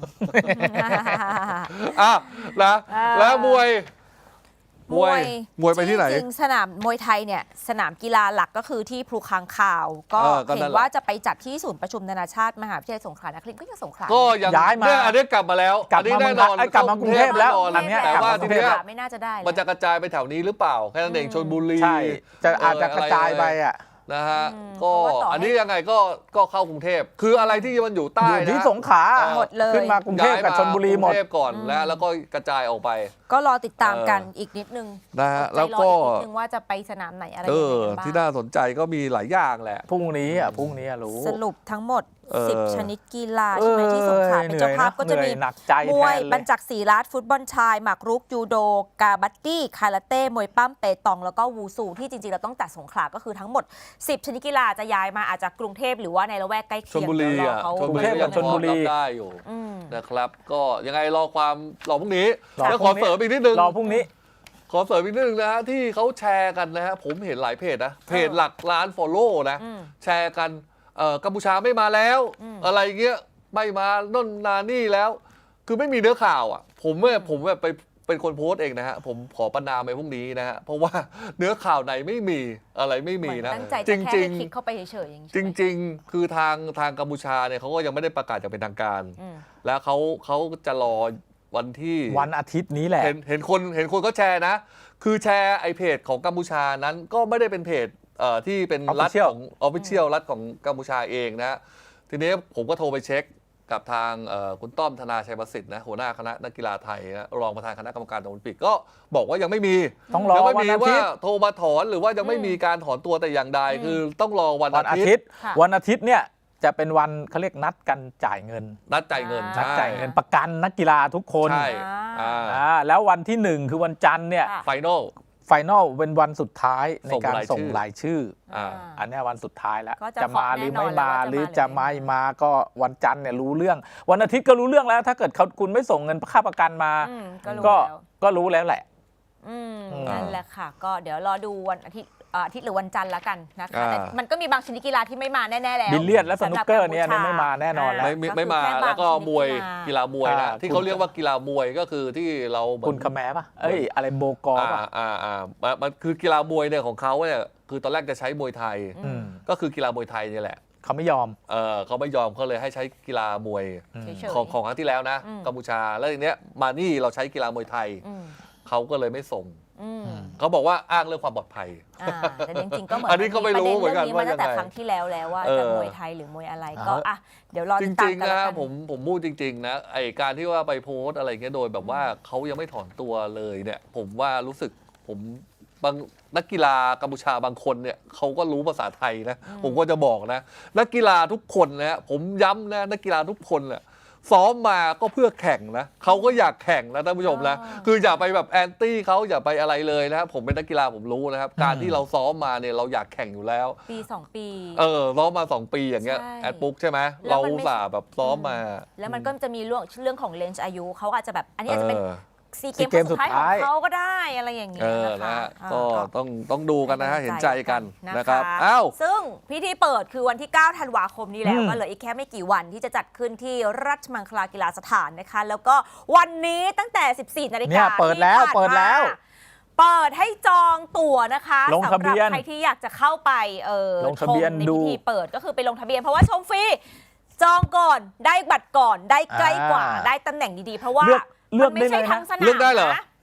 [SPEAKER 2] อ่ะนะ
[SPEAKER 1] อ่า
[SPEAKER 2] แล้วมวย
[SPEAKER 1] มวย
[SPEAKER 2] มวยไปที่ไหน
[SPEAKER 1] จริงๆสนามมวยไทยเนี่ยสนามกีฬาหลักก็คือที่พลูค้างคาว ก็
[SPEAKER 2] เออก็นั่น
[SPEAKER 1] เห็น
[SPEAKER 2] แหละ
[SPEAKER 1] ว่าจะไปจัดที่ศูนย์ประชุมนานาชาติมหาวิทยาลัยสงขลานครินทร์ก็ยังสงขลา
[SPEAKER 2] ก็ยัง
[SPEAKER 3] ย้ายมา
[SPEAKER 2] เนี่ยอันนี้กลับมาแล้ว
[SPEAKER 3] กลับ
[SPEAKER 2] อันนี้
[SPEAKER 3] มา
[SPEAKER 2] แน่นอน
[SPEAKER 3] เมืองไทยกลับมากรุงเทพแล้ว
[SPEAKER 2] แน่นอน
[SPEAKER 3] อันเนี้ย
[SPEAKER 2] แต่
[SPEAKER 3] กลับ
[SPEAKER 2] ว่า
[SPEAKER 3] มา
[SPEAKER 2] ที
[SPEAKER 3] กรุงเท
[SPEAKER 2] เนี้
[SPEAKER 3] พ
[SPEAKER 2] ย
[SPEAKER 1] ไม่น่าจะได้แล้ว
[SPEAKER 2] มันจะกระจายไปแถวนี้หรือเปล่าแค่นั้นเอง
[SPEAKER 1] อืม
[SPEAKER 2] ชลบุรี
[SPEAKER 3] ใช่ จะอาจจะ
[SPEAKER 2] เ
[SPEAKER 3] กระจายไปอ่ะ
[SPEAKER 2] นะฮะ
[SPEAKER 1] อืม
[SPEAKER 2] ก็
[SPEAKER 1] เพราะว่าต่อให้
[SPEAKER 2] อันนี้ยังไงก็ก็เข้ากรุงเทพคืออะไรที่มันอยู่ใต้
[SPEAKER 3] อยู่ที่
[SPEAKER 2] นะ
[SPEAKER 3] สงขลา
[SPEAKER 2] เออ
[SPEAKER 1] หมดเลย
[SPEAKER 3] ขึ้นมากรุงเทพกับชลบุรีหมด
[SPEAKER 2] กรุงเทพก่อน
[SPEAKER 1] อืม
[SPEAKER 2] แล้วแล้วก็กระจายออกไป
[SPEAKER 1] ก็รอติดตามกัน
[SPEAKER 2] เอออี
[SPEAKER 1] อีกนิดนึง
[SPEAKER 2] นะฮะ
[SPEAKER 1] ใจ
[SPEAKER 2] แล้ว
[SPEAKER 1] รอ
[SPEAKER 2] ก็
[SPEAKER 1] อีกนิดนึงว่าจะไปสนามไหนอะไร
[SPEAKER 2] เอ
[SPEAKER 1] ยังไง
[SPEAKER 2] อ
[SPEAKER 1] กันบ้าง
[SPEAKER 2] ที่น่าสนใจก็มีหลายอย่างแหละ
[SPEAKER 3] พรุ่งนี้อ่ะพรุ่งนี้อะรู้
[SPEAKER 1] สรุปทั้งหมด
[SPEAKER 2] เออ
[SPEAKER 1] สิบ ชนิดกีฬาใช่ไหมที่สงขลาเป็นเจ้าภาพก็จะมี
[SPEAKER 3] เหนื่อยหนักใจ
[SPEAKER 1] ม
[SPEAKER 3] แท
[SPEAKER 1] วย
[SPEAKER 3] นเล
[SPEAKER 1] บรร
[SPEAKER 3] ย
[SPEAKER 1] จักษ์ศรีรัตน์ฟุตบอลชาย หมากรุกยูโด กาบัตตี้ คาราเต้ มวยปั้มเปตอง แล้วก็วูซูที่จริงๆ เราต้องจัดสงขลาก็คือทั้งหมด สิบ ชนิดกีฬาจะย้ายมาอาจจะกรุงเทพหรือว่าในละแวกใกล้
[SPEAKER 2] ช
[SPEAKER 1] เคี
[SPEAKER 2] ล
[SPEAKER 1] ยง
[SPEAKER 2] บุรี
[SPEAKER 1] เดี๋ยวรอ
[SPEAKER 2] อ่ะ
[SPEAKER 1] เขา
[SPEAKER 2] ชลบุรี
[SPEAKER 3] กรุงเทพกับชลบุรี
[SPEAKER 2] ยังพอรับได้อยู่
[SPEAKER 1] อืม
[SPEAKER 2] นะครับ ก็ยังไงรอความรอพรุ่งนี้
[SPEAKER 3] รอ
[SPEAKER 2] แล้ว
[SPEAKER 3] พ
[SPEAKER 2] ข
[SPEAKER 3] รุ่
[SPEAKER 2] อง
[SPEAKER 3] นี้
[SPEAKER 2] เสริมอีกนิดนึง
[SPEAKER 3] รอพรุ่งนี้
[SPEAKER 2] ขอเสริมอีกนิดนึงนะฮะที่เขาแชร์กันนะฮะผมเห็นหลายเพจนะเพจหลักล้านฟอลโล่นะ
[SPEAKER 1] อืม
[SPEAKER 2] แชร์กันเอ่อกัมพูชาไม่มาแล้ว
[SPEAKER 1] อืม
[SPEAKER 2] อะไรเงี้ยไม่มาน่นนานี่แล้ว คือไม่มีเนื้อข่าวอ่ะ ผมเนี่ยผมแบบไปเป็นคนโพสต์เองนะฮะผมขอประนามไปพรุ่งนี้นะฮะเพราะว่าเนื้อข่าวไหนไม่มีอะไรไม่มี
[SPEAKER 1] เหมือน
[SPEAKER 2] นะ
[SPEAKER 1] ตั้งใจ
[SPEAKER 2] จ
[SPEAKER 1] จะแค่
[SPEAKER 2] ริ
[SPEAKER 1] ให้
[SPEAKER 2] ง
[SPEAKER 1] คลิกเข้าไปเฉยๆอย่างนี้
[SPEAKER 2] ๆ
[SPEAKER 1] ใช่
[SPEAKER 2] จ
[SPEAKER 1] ไหม
[SPEAKER 2] ริง ๆ คือทางทางกัมพูชาเนี่ยเขาก็ยังไม่ได้ประกาศอย่างเป็นทางการ
[SPEAKER 1] อืม
[SPEAKER 2] แล้วเขาเขาจะรอวันที่
[SPEAKER 3] วันอาทิตย์นี้แหละ
[SPEAKER 2] เห็นเห็นคนเห็นคนก็แชร์นะ คือแชร์ไอเพจของกัมพูชานั้นก็ไม่ได้เป็นเพจเอ่อที่เป็นรัฐ
[SPEAKER 3] Official
[SPEAKER 2] ของออฟฟิเชียลรัฐของกัมพูชาเองนะ ทีนี้ผมก็โทรไปเช็คกับทางเอ่อคุณต้อมธนาชัยประสิทธิ์นะหัวหน้าคณะนักกีฬาไทยนะรองประธานคณะกรรมการโอลิมปิกก็บอกว่ายังไม่มี
[SPEAKER 3] ต้องรอ
[SPEAKER 2] ยังไม่
[SPEAKER 3] วัน
[SPEAKER 2] มี
[SPEAKER 3] อาทิ
[SPEAKER 2] ว่า
[SPEAKER 3] ตย์
[SPEAKER 2] โทรมาถอนหรือว่ายังไม่มีการถอนตัวแต่อย่างใด
[SPEAKER 1] อืม
[SPEAKER 2] คือต้องรอวัน
[SPEAKER 3] วันอา
[SPEAKER 2] อาทิ
[SPEAKER 3] ทิ
[SPEAKER 2] ต
[SPEAKER 3] ต
[SPEAKER 2] ย์
[SPEAKER 3] ย์
[SPEAKER 1] ค่ะ
[SPEAKER 3] วันอาทิตย์เนี่ยจะเป็นวันเขาเรียกนัดกันจ่ายเงิน
[SPEAKER 2] นัดจ่ายเงิน
[SPEAKER 1] อ่า
[SPEAKER 3] นัด
[SPEAKER 2] ใช่
[SPEAKER 3] จ่ายเงินประกันนักกีฬาทุกคน
[SPEAKER 2] ใช่
[SPEAKER 1] อ่า
[SPEAKER 2] อ่า
[SPEAKER 3] อ่าแล้ววันที่หนึ่งคือวันจันทร์เนี่ย
[SPEAKER 1] ค่ะ
[SPEAKER 2] ไฟนอล
[SPEAKER 3] ไฟนอลเป็นวันสุดท้ายใน
[SPEAKER 2] ส่ง
[SPEAKER 3] การ
[SPEAKER 2] รายชื่อ
[SPEAKER 3] ส่งรายชื่อ
[SPEAKER 2] อ่า
[SPEAKER 3] อันเนี้ยวันสุดท้ายแล้ว
[SPEAKER 1] ก็จะ
[SPEAKER 3] จะมาหรือไม่
[SPEAKER 1] เคาะแน่นอน
[SPEAKER 3] มา
[SPEAKER 1] แล้วว่าจะ
[SPEAKER 3] หรือ
[SPEAKER 1] มาหรือ
[SPEAKER 3] จะ
[SPEAKER 1] ไม่
[SPEAKER 3] ไม่
[SPEAKER 1] มา
[SPEAKER 3] มาก็วันจันทร์เนี่ยรู้เรื่อง วันอาทิตย์ก็รู้เรื่องแล้ว ถ้าเกิดเขาคุณไม่ส่งเงินค่าประกันมา
[SPEAKER 1] อืมก็รู้
[SPEAKER 3] ก็
[SPEAKER 1] แล้ว
[SPEAKER 3] ก็รู้แล้วแหละ
[SPEAKER 1] อืม
[SPEAKER 3] อืม
[SPEAKER 1] นั่นแหละค่ะ ก็เดี๋ยวรอดูวันอาทิตย์เอ่ออาทิตย์หรือวันจันทร์ละกันนะคะ
[SPEAKER 2] อ่า
[SPEAKER 1] แต่มันก็มีบางชนิดกีฬาที่ไม่มาแน่ๆแล้ว
[SPEAKER 3] บิลเลียนและสนุกเกอร์เนี่ย
[SPEAKER 1] สำหบ
[SPEAKER 3] ไม่มาแน่นอนแล้ว
[SPEAKER 2] ไม่ไม่ไม่มา
[SPEAKER 1] ก็คือค่บง
[SPEAKER 2] แล้วก็มวย
[SPEAKER 1] ชนิด
[SPEAKER 2] กีฬามวยนะ
[SPEAKER 3] อ่า
[SPEAKER 2] ที่เขาเรียกว่ากีฬามวยก็คือที่เราเหมือน
[SPEAKER 3] คุณคาแมป่ะ เอ้ย อะไรโบกอ
[SPEAKER 2] อ่า
[SPEAKER 3] ป่ะ
[SPEAKER 2] อ่าอ่ามันมันคือกีฬามวยเนี่ยของเขาเนี่ยคือตอนแรกจะใช้มวยไทย
[SPEAKER 1] อืม
[SPEAKER 2] ก็คือกีฬามวยไทยเนี่ยแหละ
[SPEAKER 3] เขาไม่ยอม
[SPEAKER 2] เออเขาไม่ยอมเขาเลยให้ใช้กีฬามวย
[SPEAKER 3] อืม
[SPEAKER 1] เฉยๆ
[SPEAKER 2] ของของครั้งที่แล้วนะ
[SPEAKER 1] อืม
[SPEAKER 2] กัมพูชาแล้วทีเนี้ยมานี่เราใช้กีฬามวยไทย
[SPEAKER 1] อืม
[SPEAKER 2] เขาก็เลยไม่ส่ง
[SPEAKER 1] อืม
[SPEAKER 2] เขาบอกว่าอ้างเรื่องความปลอดภัย
[SPEAKER 1] อ่าแต่จริงๆก็เหมือน
[SPEAKER 2] อันนี้ก็ไม่รู้เหมือนกัน
[SPEAKER 1] ประเด็เรื่องนี้มาตั้งแต่
[SPEAKER 2] ว่ายังไง
[SPEAKER 1] ครั้งที่แล้วแล้วว่า
[SPEAKER 2] เออ
[SPEAKER 1] จะมวยไทยหรือมวยอะไรก็
[SPEAKER 3] เอออ่
[SPEAKER 1] อ่ะเดี๋ยวรอ
[SPEAKER 2] จ
[SPEAKER 1] ติดตา
[SPEAKER 2] ริ
[SPEAKER 1] ม
[SPEAKER 2] ง
[SPEAKER 1] กัน
[SPEAKER 2] ๆ
[SPEAKER 1] แล้ว
[SPEAKER 2] นะ
[SPEAKER 1] กัน
[SPEAKER 2] ผมผมพูดจริงๆนะไอการที่ว่าไปโพสต์อะไรเงี้ยโดยแบบว่าเขายังไม่ถอนตัวเลยเนี่ยผมว่ารู้สึกผมบางนักกีฬากัมพูชาบางคนเนี่ยเขาก็รู้ภาษาไทยนะผมก็จะบอกนะนักกีฬาทุกคนนะผมย้ำนะนักกีฬาทุกคนเนี่ยซ้อมมาก็เพื่อแข่งนะเขาก็อยากแข่งนะท่านผู้ชมนะ
[SPEAKER 1] อ่า
[SPEAKER 2] คืออย่าไปแบบแอนตี้เขาอย่าไปอะไรเลยนะครับผมเป็นนักกีฬาผมรู้นะครับการ
[SPEAKER 3] อืม
[SPEAKER 2] ที่เราซ้อมมาเนี่ยเราอยากแข่งอยู่แล้ว
[SPEAKER 1] ปีสองปี
[SPEAKER 2] เออซ้อมมาสองปีอย่างเงี้ย
[SPEAKER 1] ใช่
[SPEAKER 2] แอดปุ๊กใช่ไหม
[SPEAKER 1] แล้
[SPEAKER 2] เรา
[SPEAKER 1] วมันไม่
[SPEAKER 2] อุตส่าห์แบบซ้อมมา
[SPEAKER 1] แล้วมันก็จะมีเรื่องเรื่องของเลนส์อายุเขาอาจจะแบบอันนี้อาจจะเป็น
[SPEAKER 2] เออ
[SPEAKER 1] ซีเก
[SPEAKER 3] ซี
[SPEAKER 1] ม
[SPEAKER 3] เกม
[SPEAKER 1] สุดท้าย
[SPEAKER 3] สุด
[SPEAKER 1] ของ
[SPEAKER 3] ท้าย
[SPEAKER 1] เขาก็ได้อะไรอย่างเงี้
[SPEAKER 2] เอย อ
[SPEAKER 1] นะ
[SPEAKER 2] นะคะ ฮะ
[SPEAKER 1] อ่า
[SPEAKER 2] ก็ต้องต้องดูกันนะฮะเห็นใจกัน
[SPEAKER 1] นะ
[SPEAKER 2] นะครับ
[SPEAKER 1] คะ
[SPEAKER 2] อ้าว
[SPEAKER 1] ซึ่งพิธีเปิดคือวันที่ เก้า ธันวาคมนี้แล้ว
[SPEAKER 3] อืม
[SPEAKER 1] ก็เหลืออีกแค่ไม่กี่วันที่จะจัดขึ้นที่ราชมังคลากีฬาสถานนะคะ แล้วก็วันนี้ตั้งแต่ สิบสี่ นาฬิ
[SPEAKER 3] เนี่
[SPEAKER 1] กาย
[SPEAKER 3] เปิดแล้ว
[SPEAKER 1] ที่ผ่าน
[SPEAKER 3] เปิดแล้ว
[SPEAKER 1] มาเปิดให้จองตั๋วนะคะ
[SPEAKER 3] ลงทะเบียน
[SPEAKER 1] สำหรับใครที่อยากจะเข้าไปเออ
[SPEAKER 3] ลงทะเบียน
[SPEAKER 1] ชมใน
[SPEAKER 3] ดู
[SPEAKER 1] พิธีเปิดก็คือไปลงทะเบียนเพราะว่าชมฟรีจองก่อนได้บัตรก่อนได้ใกล้กว่า
[SPEAKER 3] อ่า
[SPEAKER 1] ได้ตำแหน่งดีๆ เพราะว่า
[SPEAKER 3] เลือกเลือก
[SPEAKER 1] มันไม่ใช่
[SPEAKER 3] ได้เลยนะ
[SPEAKER 1] ทั้งสนาม
[SPEAKER 2] เลือกได้เหรอ
[SPEAKER 1] นะ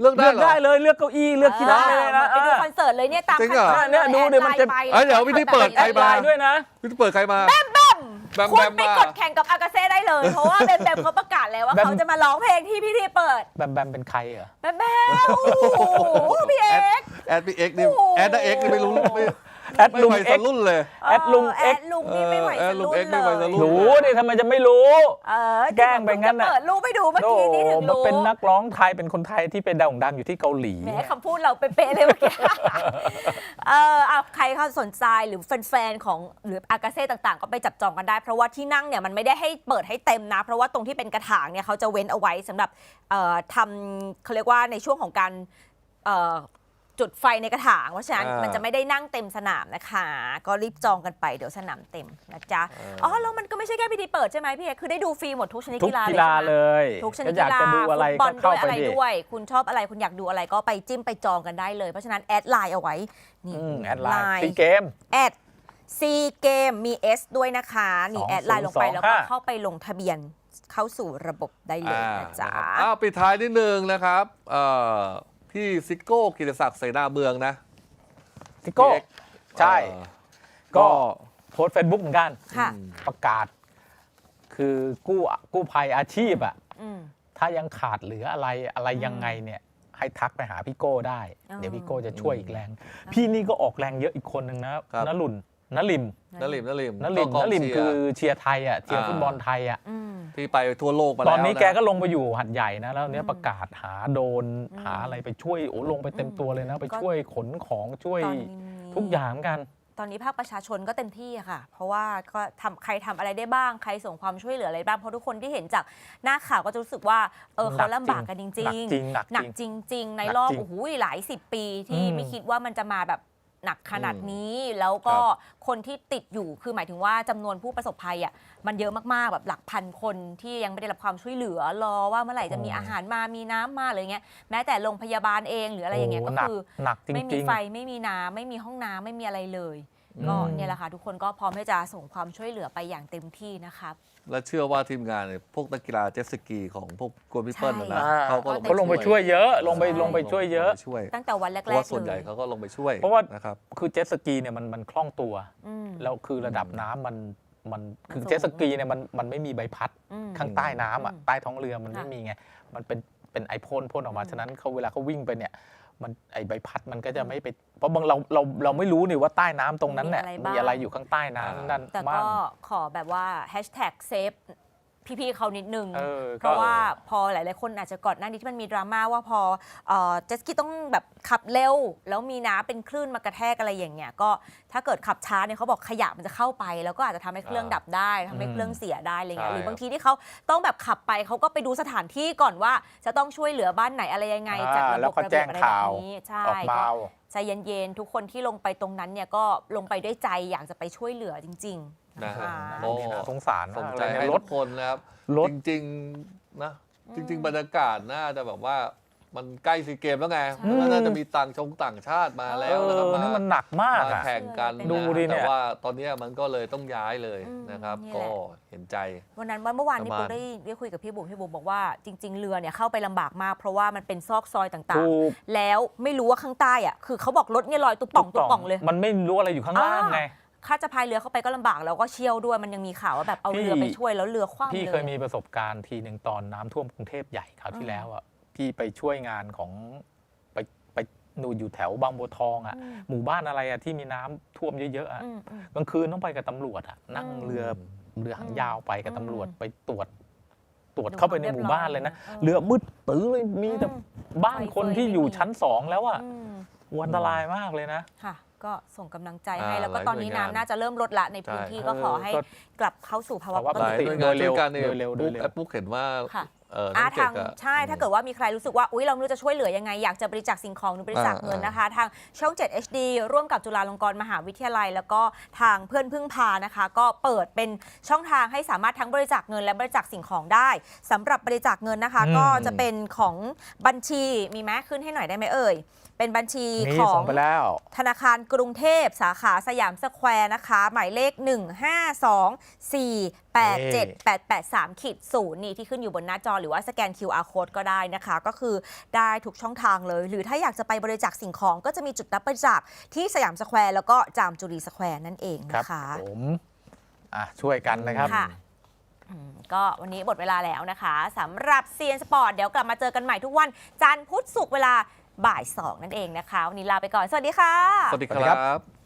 [SPEAKER 2] เลือกได้
[SPEAKER 3] เลือก
[SPEAKER 2] เหรอ
[SPEAKER 3] ได้เลยเลือกเก้าอี้เลือกที่นั่งได้เลยนะ
[SPEAKER 1] ไปดูคอนเสิร์ตเลยเนี่ยตาม
[SPEAKER 2] จริงเหรอ
[SPEAKER 1] ขั้นตอน
[SPEAKER 3] เนี่ยดูดิมันจะ
[SPEAKER 1] แอไล
[SPEAKER 2] เอ้ยเดี๋ยววิธีเปิดใคร
[SPEAKER 3] ไล
[SPEAKER 2] มา
[SPEAKER 3] น์ด้วยนะ
[SPEAKER 2] พี่เปิดใครมา แบมแบม
[SPEAKER 1] คุณ
[SPEAKER 2] แบม
[SPEAKER 1] ไป
[SPEAKER 2] มาก
[SPEAKER 1] ดแข่งกับอากาเซ่ได้เลย เพราะว่าแบมแบมเขาประกาศแล้วว่า
[SPEAKER 3] แบม
[SPEAKER 1] เขาจะมาร้องเพลงที่พี่ทีเปิด
[SPEAKER 3] แบมแบมเป็นใครเหรอ
[SPEAKER 1] แบมแบมโอ้โหพี่เอ็กซ์
[SPEAKER 2] แอดพี่เอ็กซ์นี่
[SPEAKER 1] โอ้โห
[SPEAKER 2] แอดนะเอ็กซ์นี่ไม่รู้ไม่
[SPEAKER 3] แอด
[SPEAKER 2] ไม่
[SPEAKER 3] ลุง
[SPEAKER 2] ไหว
[SPEAKER 3] เอ็
[SPEAKER 2] ส
[SPEAKER 3] กซ์
[SPEAKER 2] รุ่นเลย
[SPEAKER 3] แอดลุง
[SPEAKER 1] แอ
[SPEAKER 3] เอ็กซ์
[SPEAKER 1] ดลุงนี่ไม่ไหว
[SPEAKER 2] เออแอ
[SPEAKER 1] ส
[SPEAKER 2] ดลุ
[SPEAKER 1] รุ่
[SPEAKER 2] ง
[SPEAKER 1] น
[SPEAKER 2] เอ็กซ์
[SPEAKER 1] เล
[SPEAKER 2] ไม่ไหวส
[SPEAKER 1] ย
[SPEAKER 2] รุ่น
[SPEAKER 3] รู้ดิทำไมจะไม่รู้
[SPEAKER 1] เออ
[SPEAKER 3] แกล้งไปงั้นน่ะ
[SPEAKER 1] เปิดรูปไปดูเมื่อ
[SPEAKER 3] โอ้
[SPEAKER 1] กี้นี้ถึง
[SPEAKER 3] มัน
[SPEAKER 1] รู้
[SPEAKER 3] เป็นนักร้องไทยเป็นคนไทยที่ไปโด่งดังอยู่ที่เกาหลี
[SPEAKER 1] แหมคำพูดเราเป๊ะๆเลยเมื่อกี้ เออเอาใครเขาสนใจหรือแฟนๆของหรืออากาเซ่ต่างๆ ก็ไปจับจองกันได้ เพราะว่าที่นั่งเนี่ยมันไม่ได้ให้เปิดให้เต็มนะ เพราะว่าตรงที่เป็นกระถางเนี่ยเขาจะเว้นเอาไว้สำหรับเอ่อทำเขาเรียกว่าในช่วงของการเอ่อจุดไฟในกระถางเพราะฉะนั้น
[SPEAKER 2] อ่ามั
[SPEAKER 1] มันจะไม่ได้นั่งเต็มสนามนะคะ ก็รีบจองกันไปเดี๋ยวสนามเต็มนะจ๊ะอ๋อแล้วมันก็ไม่ใช่แค่พิธีเปิดใช่ไหมพี่เอกคือได้ดูฟรีหมดทุกชนิด
[SPEAKER 3] ทุก
[SPEAKER 1] กีฬา
[SPEAKER 3] กี
[SPEAKER 1] เลย
[SPEAKER 3] ฬา
[SPEAKER 1] ใช่ไหม
[SPEAKER 3] เลย
[SPEAKER 1] ทุกชนิ
[SPEAKER 3] ก็
[SPEAKER 1] ด
[SPEAKER 3] อยาก
[SPEAKER 1] กีฬา
[SPEAKER 3] จะดูอะไร
[SPEAKER 1] ฟุตบอ
[SPEAKER 3] ก็
[SPEAKER 1] ล
[SPEAKER 3] เข้า
[SPEAKER 1] ด้วยอะไร
[SPEAKER 3] ไปดิ
[SPEAKER 1] ด้วย คุณชอบอะไรคุณอยากดูอะไรก็ไปจิ้มไปจองกันได้เลย เพราะฉะนั้นแอดไลน์เอาไว้นี่
[SPEAKER 3] อืมแอดไลน์ซีเกม
[SPEAKER 1] แอดซีเกมมี S ด้วยนะคะนี่
[SPEAKER 3] สอง
[SPEAKER 1] แอดไลน์ลงไป
[SPEAKER 3] ศูนย์สอง
[SPEAKER 1] แล้วก็
[SPEAKER 3] ห้า
[SPEAKER 1] เข้าไปลงทะเบียนเข้าสู่ระบบได้เลยนะจ๊ะ
[SPEAKER 2] อ่านะครับอ้าวปิดท้ายนิดนึงนะครับเอ่อพี่ซิโก้กิติศักดิ์เสนาเมืองนะ
[SPEAKER 3] ซิโก้
[SPEAKER 2] พี่เอ็กซ์
[SPEAKER 3] ใช่
[SPEAKER 2] เอ่อ
[SPEAKER 3] ก็
[SPEAKER 2] ก็
[SPEAKER 3] โพสเฟซบุ๊กเหมือนกัน
[SPEAKER 1] ค่ะ
[SPEAKER 3] ประกาศ คือกู้กู้ภัยอาชีพอ่ะ
[SPEAKER 1] อืม
[SPEAKER 3] ถ้ายังขาดเหลืออะไรอะไรยังไงเนี่ย ให้ทักไปหาพี่โก้ได้
[SPEAKER 1] อ๋อ
[SPEAKER 3] เดี๋ยวพี่โก้จะช่วยอีกแรง พี่นี่ก็ออกแรงเยอะอีกคนหนึ่งนะครับ นลุนนลิม
[SPEAKER 2] นลิมนลิม
[SPEAKER 3] นลิม
[SPEAKER 2] ก็ก
[SPEAKER 3] น
[SPEAKER 2] อง
[SPEAKER 3] ลิม
[SPEAKER 2] เชีย
[SPEAKER 3] คือ
[SPEAKER 2] ร์
[SPEAKER 3] เชียร์ไทยอ่ะเชียร์
[SPEAKER 2] อ่า
[SPEAKER 3] ฟุตบอลไทยอ่ะ
[SPEAKER 1] อืม
[SPEAKER 2] ที่ไปทั่วโลกมาแล้ว
[SPEAKER 3] ตอนนี้แกก็
[SPEAKER 2] ะ
[SPEAKER 3] ลงไปอยู่หัดใหญ่นะแล้วเนี้ย
[SPEAKER 1] อืม
[SPEAKER 3] ประกาศหาโดรน
[SPEAKER 1] อืม
[SPEAKER 3] หาอะไรไปช่วยโอ้ลงไปเต็มตัวเลยนะ ไป
[SPEAKER 1] ก็
[SPEAKER 3] ช่วยขนของช่วย
[SPEAKER 1] ตอนนี้
[SPEAKER 3] ทุกอย่างเหมือนกัน
[SPEAKER 1] ตอนนี้ภาคประชาชนก็เต็มที่อะค่ะ เพราะว่าก็ทำใครทำอะไรได้บ้างใครส่งความช่วยเหลืออะไรบ้างเพราะทุกคนที่เห็นจากหน้าข่าวก็จะรู้สึกว่าเออเขาลำบากกันจริง
[SPEAKER 3] หนักจริงหนัก
[SPEAKER 1] หนัก
[SPEAKER 3] จริง
[SPEAKER 1] จริง ๆ ใน
[SPEAKER 3] หนัก
[SPEAKER 1] รอบ
[SPEAKER 3] จริง
[SPEAKER 1] โอ้โหหลายสิบปีที่
[SPEAKER 3] อืม
[SPEAKER 1] ไม่คิดว่ามันจะมาแบบหนักขนาดนี้ แล้วก็คนที่ติดอยู่คือหมายถึงว่าจำนวนผู้ประสบภัยอ่ะมันเยอะมากๆแบบหลักพันคนที่ยังไม่ได้รับความช่วยเหลือรอว่าเมื่อไหร่จะมีอาหารมามีน้ำมาอะไรเงี้ยแม้แต่โรงพยาบาลเองหรืออะไรอย่างเงี้ย
[SPEAKER 3] โอ้
[SPEAKER 1] ก็
[SPEAKER 3] หนัก
[SPEAKER 1] คือ
[SPEAKER 3] หนักจริง
[SPEAKER 1] ไม่มี
[SPEAKER 3] ๆ
[SPEAKER 1] ไฟไม่มีน้ำไม่มีห้องน้ำไม่มีอะไรเลย ก็
[SPEAKER 3] อืม
[SPEAKER 1] เนี่ยแหละค่ะทุกคนก็พร้อมที่จะส่งความช่วยเหลือไปอย่างเต็มที่นะครับ
[SPEAKER 2] และเชื่อว่าทีมงานเนี่ยพวกนักกีฬาเจ็ตสกีของพวกกวนพิเปิลนะ
[SPEAKER 1] ใช่
[SPEAKER 2] นะ
[SPEAKER 3] อ่า
[SPEAKER 2] เขาก็
[SPEAKER 3] เขาลงไปช่วยเยอะ ลงไป
[SPEAKER 1] ใช่
[SPEAKER 3] ลงไปช่วยเยอะ
[SPEAKER 2] ลงไปช่วย
[SPEAKER 1] ตั้งแต่วันแร
[SPEAKER 2] เพ
[SPEAKER 1] ก
[SPEAKER 2] ราะว่า
[SPEAKER 1] ๆ
[SPEAKER 2] ส่วนใหญ่
[SPEAKER 1] เลย
[SPEAKER 2] เขาก็ลงไปช่วย
[SPEAKER 3] เพราะว่า
[SPEAKER 2] นะครับ
[SPEAKER 3] คือเจ็ตสกีเนี่ยมันมันคล่องตัว
[SPEAKER 1] อืม
[SPEAKER 3] แล้วคือระดับน้ำมันมันคือ
[SPEAKER 1] มันสูง
[SPEAKER 3] เจ็ตสกีเนี่ยมันมันไม่มีใบพัด
[SPEAKER 1] อืม
[SPEAKER 3] ข้างใต้น้ำอ่ะ
[SPEAKER 1] อืม
[SPEAKER 3] ใต้ท้องเรือมันไม่
[SPEAKER 1] ค่ะ
[SPEAKER 3] มีไง มันเป็นเป็นไอพ่นพ่นออกมา
[SPEAKER 1] อืม
[SPEAKER 3] ฉะนั้นเขาเวลาเขาวิ่งไปเนี่ยมันไอใบพัดมันก็จะไม่ไปเพราะบางเราเราเราไม่รู้นี่ว่าใต้น้ำตรงนั้นเนี่ย
[SPEAKER 1] มีอะไรบ้าง
[SPEAKER 3] มีอะไรอยู่ข้างใต้น้ำนั่น
[SPEAKER 1] แต่
[SPEAKER 3] บ้า
[SPEAKER 1] ก็
[SPEAKER 3] ง
[SPEAKER 1] ขอแบบว่าแฮชแท็กเซฟพี่ๆเขานิดนึง
[SPEAKER 3] เออ
[SPEAKER 1] เพราะ
[SPEAKER 3] ก็
[SPEAKER 1] ว่าพอหลายๆคนอาจจะก่อนหน้านี้ที่มันมีดราม่าว่าพอเอ่อเจตสกีต้องแบบขับเร็ว แล้วมีน้ำเป็นคลื่นมากระแทกอะไรอย่างเงี้ยก็ถ้าเกิดขับช้าเนี่ยเขาบอกขยะมันจะเข้าไป แล้วก็อาจจะทำให้เครื่องดับได้ทำให้เครื่องเสียได้อะไรเงี้ย
[SPEAKER 2] ใช่
[SPEAKER 1] หรือบางทีที่เขาต้องแบบขับไปเขาก็ไปดูสถานที่ก่อนว่าจะต้องช่วยเหลือบ้านไหนอะไรยังไง
[SPEAKER 3] อ่า
[SPEAKER 1] จัดระ
[SPEAKER 3] แล้
[SPEAKER 1] บ
[SPEAKER 3] ว
[SPEAKER 1] บ
[SPEAKER 3] ก็
[SPEAKER 1] ระ
[SPEAKER 3] แจ้
[SPEAKER 1] เบีย
[SPEAKER 3] ง
[SPEAKER 1] บอะไร
[SPEAKER 3] ข่า
[SPEAKER 1] แบ
[SPEAKER 3] ว
[SPEAKER 1] บนี้ใช่
[SPEAKER 3] ออกมา
[SPEAKER 1] ก็ใจเย็นๆทุกคนที่ลงไปตรงนั้นเนี่ยก็ลงไปด้วยใจอยากจะไปช่วยเหลือจริงๆ
[SPEAKER 2] นะ
[SPEAKER 1] นะคะ
[SPEAKER 2] ฮะ
[SPEAKER 3] โอ้น่าสงสาร
[SPEAKER 2] ส
[SPEAKER 3] มาน ก
[SPEAKER 2] ใจ
[SPEAKER 3] เลย
[SPEAKER 2] ให้
[SPEAKER 3] เนี่ยร
[SPEAKER 2] ทุ
[SPEAKER 3] ถ
[SPEAKER 2] กคนนะครับ
[SPEAKER 3] รถ
[SPEAKER 2] จริงๆนะจริง ๆ บรรยากาศน่าจะแบบว่ามันใกล้ซีเกมแล้วไง
[SPEAKER 1] ใช่
[SPEAKER 2] มันก็น่าจะมีต่างชงต่างชาติมา
[SPEAKER 3] เอ
[SPEAKER 2] แล้วนะครับ
[SPEAKER 3] อนี่มันหนักมาก
[SPEAKER 2] มา
[SPEAKER 3] อ่ะ
[SPEAKER 2] แข่งกัน
[SPEAKER 3] ดูดิเนี่ย
[SPEAKER 2] แต่ว่าตอนเนี้ยมันก็เลยต้องย้ายเลย
[SPEAKER 1] อืม
[SPEAKER 2] นะครับ
[SPEAKER 1] นี่แหละ
[SPEAKER 2] ก็เห็นใจ
[SPEAKER 1] วันนั้นวันเมื่อวานนี้
[SPEAKER 2] ประมาณ
[SPEAKER 1] ปุ๊กได้ได้คุยกับพี่บุ๋มพี่บุ๋มบอกว่าจริง ๆ เรือเนี่ยเข้าไปลำบากมาก เพราะว่ามันเป็นซอกซอยต่าง
[SPEAKER 3] ถูก
[SPEAKER 1] ๆ แล้วไม่รู้ว่าข้างใต้อ่ะคือเขาบอกรถเนี่ยลอยตุ๊บป่องตุ๊บป่องเลย
[SPEAKER 3] มันไม่รู้อะไรอยู่ข้างล่างไง
[SPEAKER 1] ถ้าจะพายเรือเข้าไปก็ลำบากแล้วก็เชี่ยวด้วยมันยังมีข่าวว่าแบบเอา
[SPEAKER 3] พี่
[SPEAKER 1] เรือไปช่วยแล้วเรือคว่ำเลย
[SPEAKER 3] พี่เคยมีประสบการณ์ทีหนึ่งตอนน้ำท่วมกรุงเทพใหญ่คราวที่แล้วอ่ะพี่ไปช่วยงานของไปไปหนูอยู่แถวบางบัวทองอ่ะ
[SPEAKER 1] อืม
[SPEAKER 3] หมู่บ้านอะไรอ่ะที่มีน้ำท่วมเยอะๆอ่ะ
[SPEAKER 1] อืมอืม
[SPEAKER 3] กลางคืนต้องไปกับตำรวจอ่ะนั่ง
[SPEAKER 1] อืม
[SPEAKER 3] เรือเรือหางยาวไปกับตำรวจ
[SPEAKER 1] อืม
[SPEAKER 3] ไปตรวจตรวจ
[SPEAKER 1] ดู
[SPEAKER 3] เข้าไปใน
[SPEAKER 1] ความ
[SPEAKER 3] หมู่
[SPEAKER 1] เรียบร้อย
[SPEAKER 3] บ้านเลยนะ
[SPEAKER 1] เออ
[SPEAKER 3] เรือมืดตื้อเลยมีแต่
[SPEAKER 1] อืม
[SPEAKER 3] บ้านคนที่อยู่ชั้นสองแล้วอ่ะ
[SPEAKER 1] อืม
[SPEAKER 3] อันตรายมากเลยนะ
[SPEAKER 1] ค่ะ ก็ส่งกำลังใจให้
[SPEAKER 2] อ่า
[SPEAKER 1] แล้วก็ตอนนี้
[SPEAKER 2] หลายหน่วยงาน
[SPEAKER 1] น้ำน่าจะเริ่มลดละในพื้นที่
[SPEAKER 2] ใช่
[SPEAKER 1] ก็ขอให้
[SPEAKER 3] เออก็
[SPEAKER 1] กลับเข้าสู่ภาวะ
[SPEAKER 3] ภาวะ
[SPEAKER 1] ป
[SPEAKER 2] ห
[SPEAKER 1] ก
[SPEAKER 2] ลาย
[SPEAKER 1] ติ
[SPEAKER 2] หน่วยงานช่วยกันเนี่ย
[SPEAKER 3] โดยเร็วโด
[SPEAKER 2] ปุ๊
[SPEAKER 3] ย
[SPEAKER 2] ก
[SPEAKER 3] เร็ว
[SPEAKER 2] แอปปุ๊กเห็นว่า
[SPEAKER 1] ค่ะ
[SPEAKER 2] เออ
[SPEAKER 1] อ่า
[SPEAKER 2] น้องเก่
[SPEAKER 1] ทาง ง
[SPEAKER 2] อะ
[SPEAKER 1] ใช่ถ้าเกิดว่ามีใครรู้สึกว่าอุ๊ยเราไม่รู้จะช่วยเหลือยังไง อยากจะบริจาคสิ่งของหรือบริจาคเงินนะคะ ทางช่อง เจ็ด เอช ดี ร่วมกับจุฬาลงกรณ์มหาวิทยาลัย แล้วก็ทางเพื่อนพึ่งพานะคะ ก็เปิดเป็นช่องทางให้สามารถทั้งบริจาคเงินและบริจาคสิ่งของได้สำหรับบริจาคเงินนะคะ
[SPEAKER 3] อืม
[SPEAKER 1] ก็จะเป็นของบัญชีมีไหมขึ้นให้หน่อยได้ไหมเอ่ยเป็นบัญชี
[SPEAKER 3] นี่
[SPEAKER 1] ขอ
[SPEAKER 3] ส่
[SPEAKER 1] ง
[SPEAKER 3] งไปแล้ว
[SPEAKER 1] ธนาคารกรุงเทพสาขาสยามสแควร์นะคะ หมายเลข หนึ่ง ห้า สอง สี่แปด เจ็ด แปด แปด สาม ศูนย์ นี่ที่ขึ้นอยู่บนหน้าจอหรือว่าสแกน คิว อาร์ Code ก็ได้นะคะ ก็คือได้ทุกช่องทางเลย หรือถ้าอยากจะไปบริจาคสิ่งของก็จะมีจุดรับบริจาคที่สยามสแควร์แล้วก็จามจุรีสแควร์นั่นเอง
[SPEAKER 3] ครับ
[SPEAKER 1] นะคะ
[SPEAKER 3] ผมอ่ะช่วยกันนะครับ
[SPEAKER 1] ค่ะอืมก็วันนี้หมดเวลาแล้วนะคะสำหรับเซียนสปอร์ตเดี๋ยวกลับมาเจอกันใหม่ทุกวันจันทร์พุธศุกร์เวลาบ่ายสองนั่นเองนะคะ วันนี้ลาไปก่อน สวัสดีค่ะ
[SPEAKER 2] สวัสดีค
[SPEAKER 3] สวัสดีครั
[SPEAKER 2] รับ บ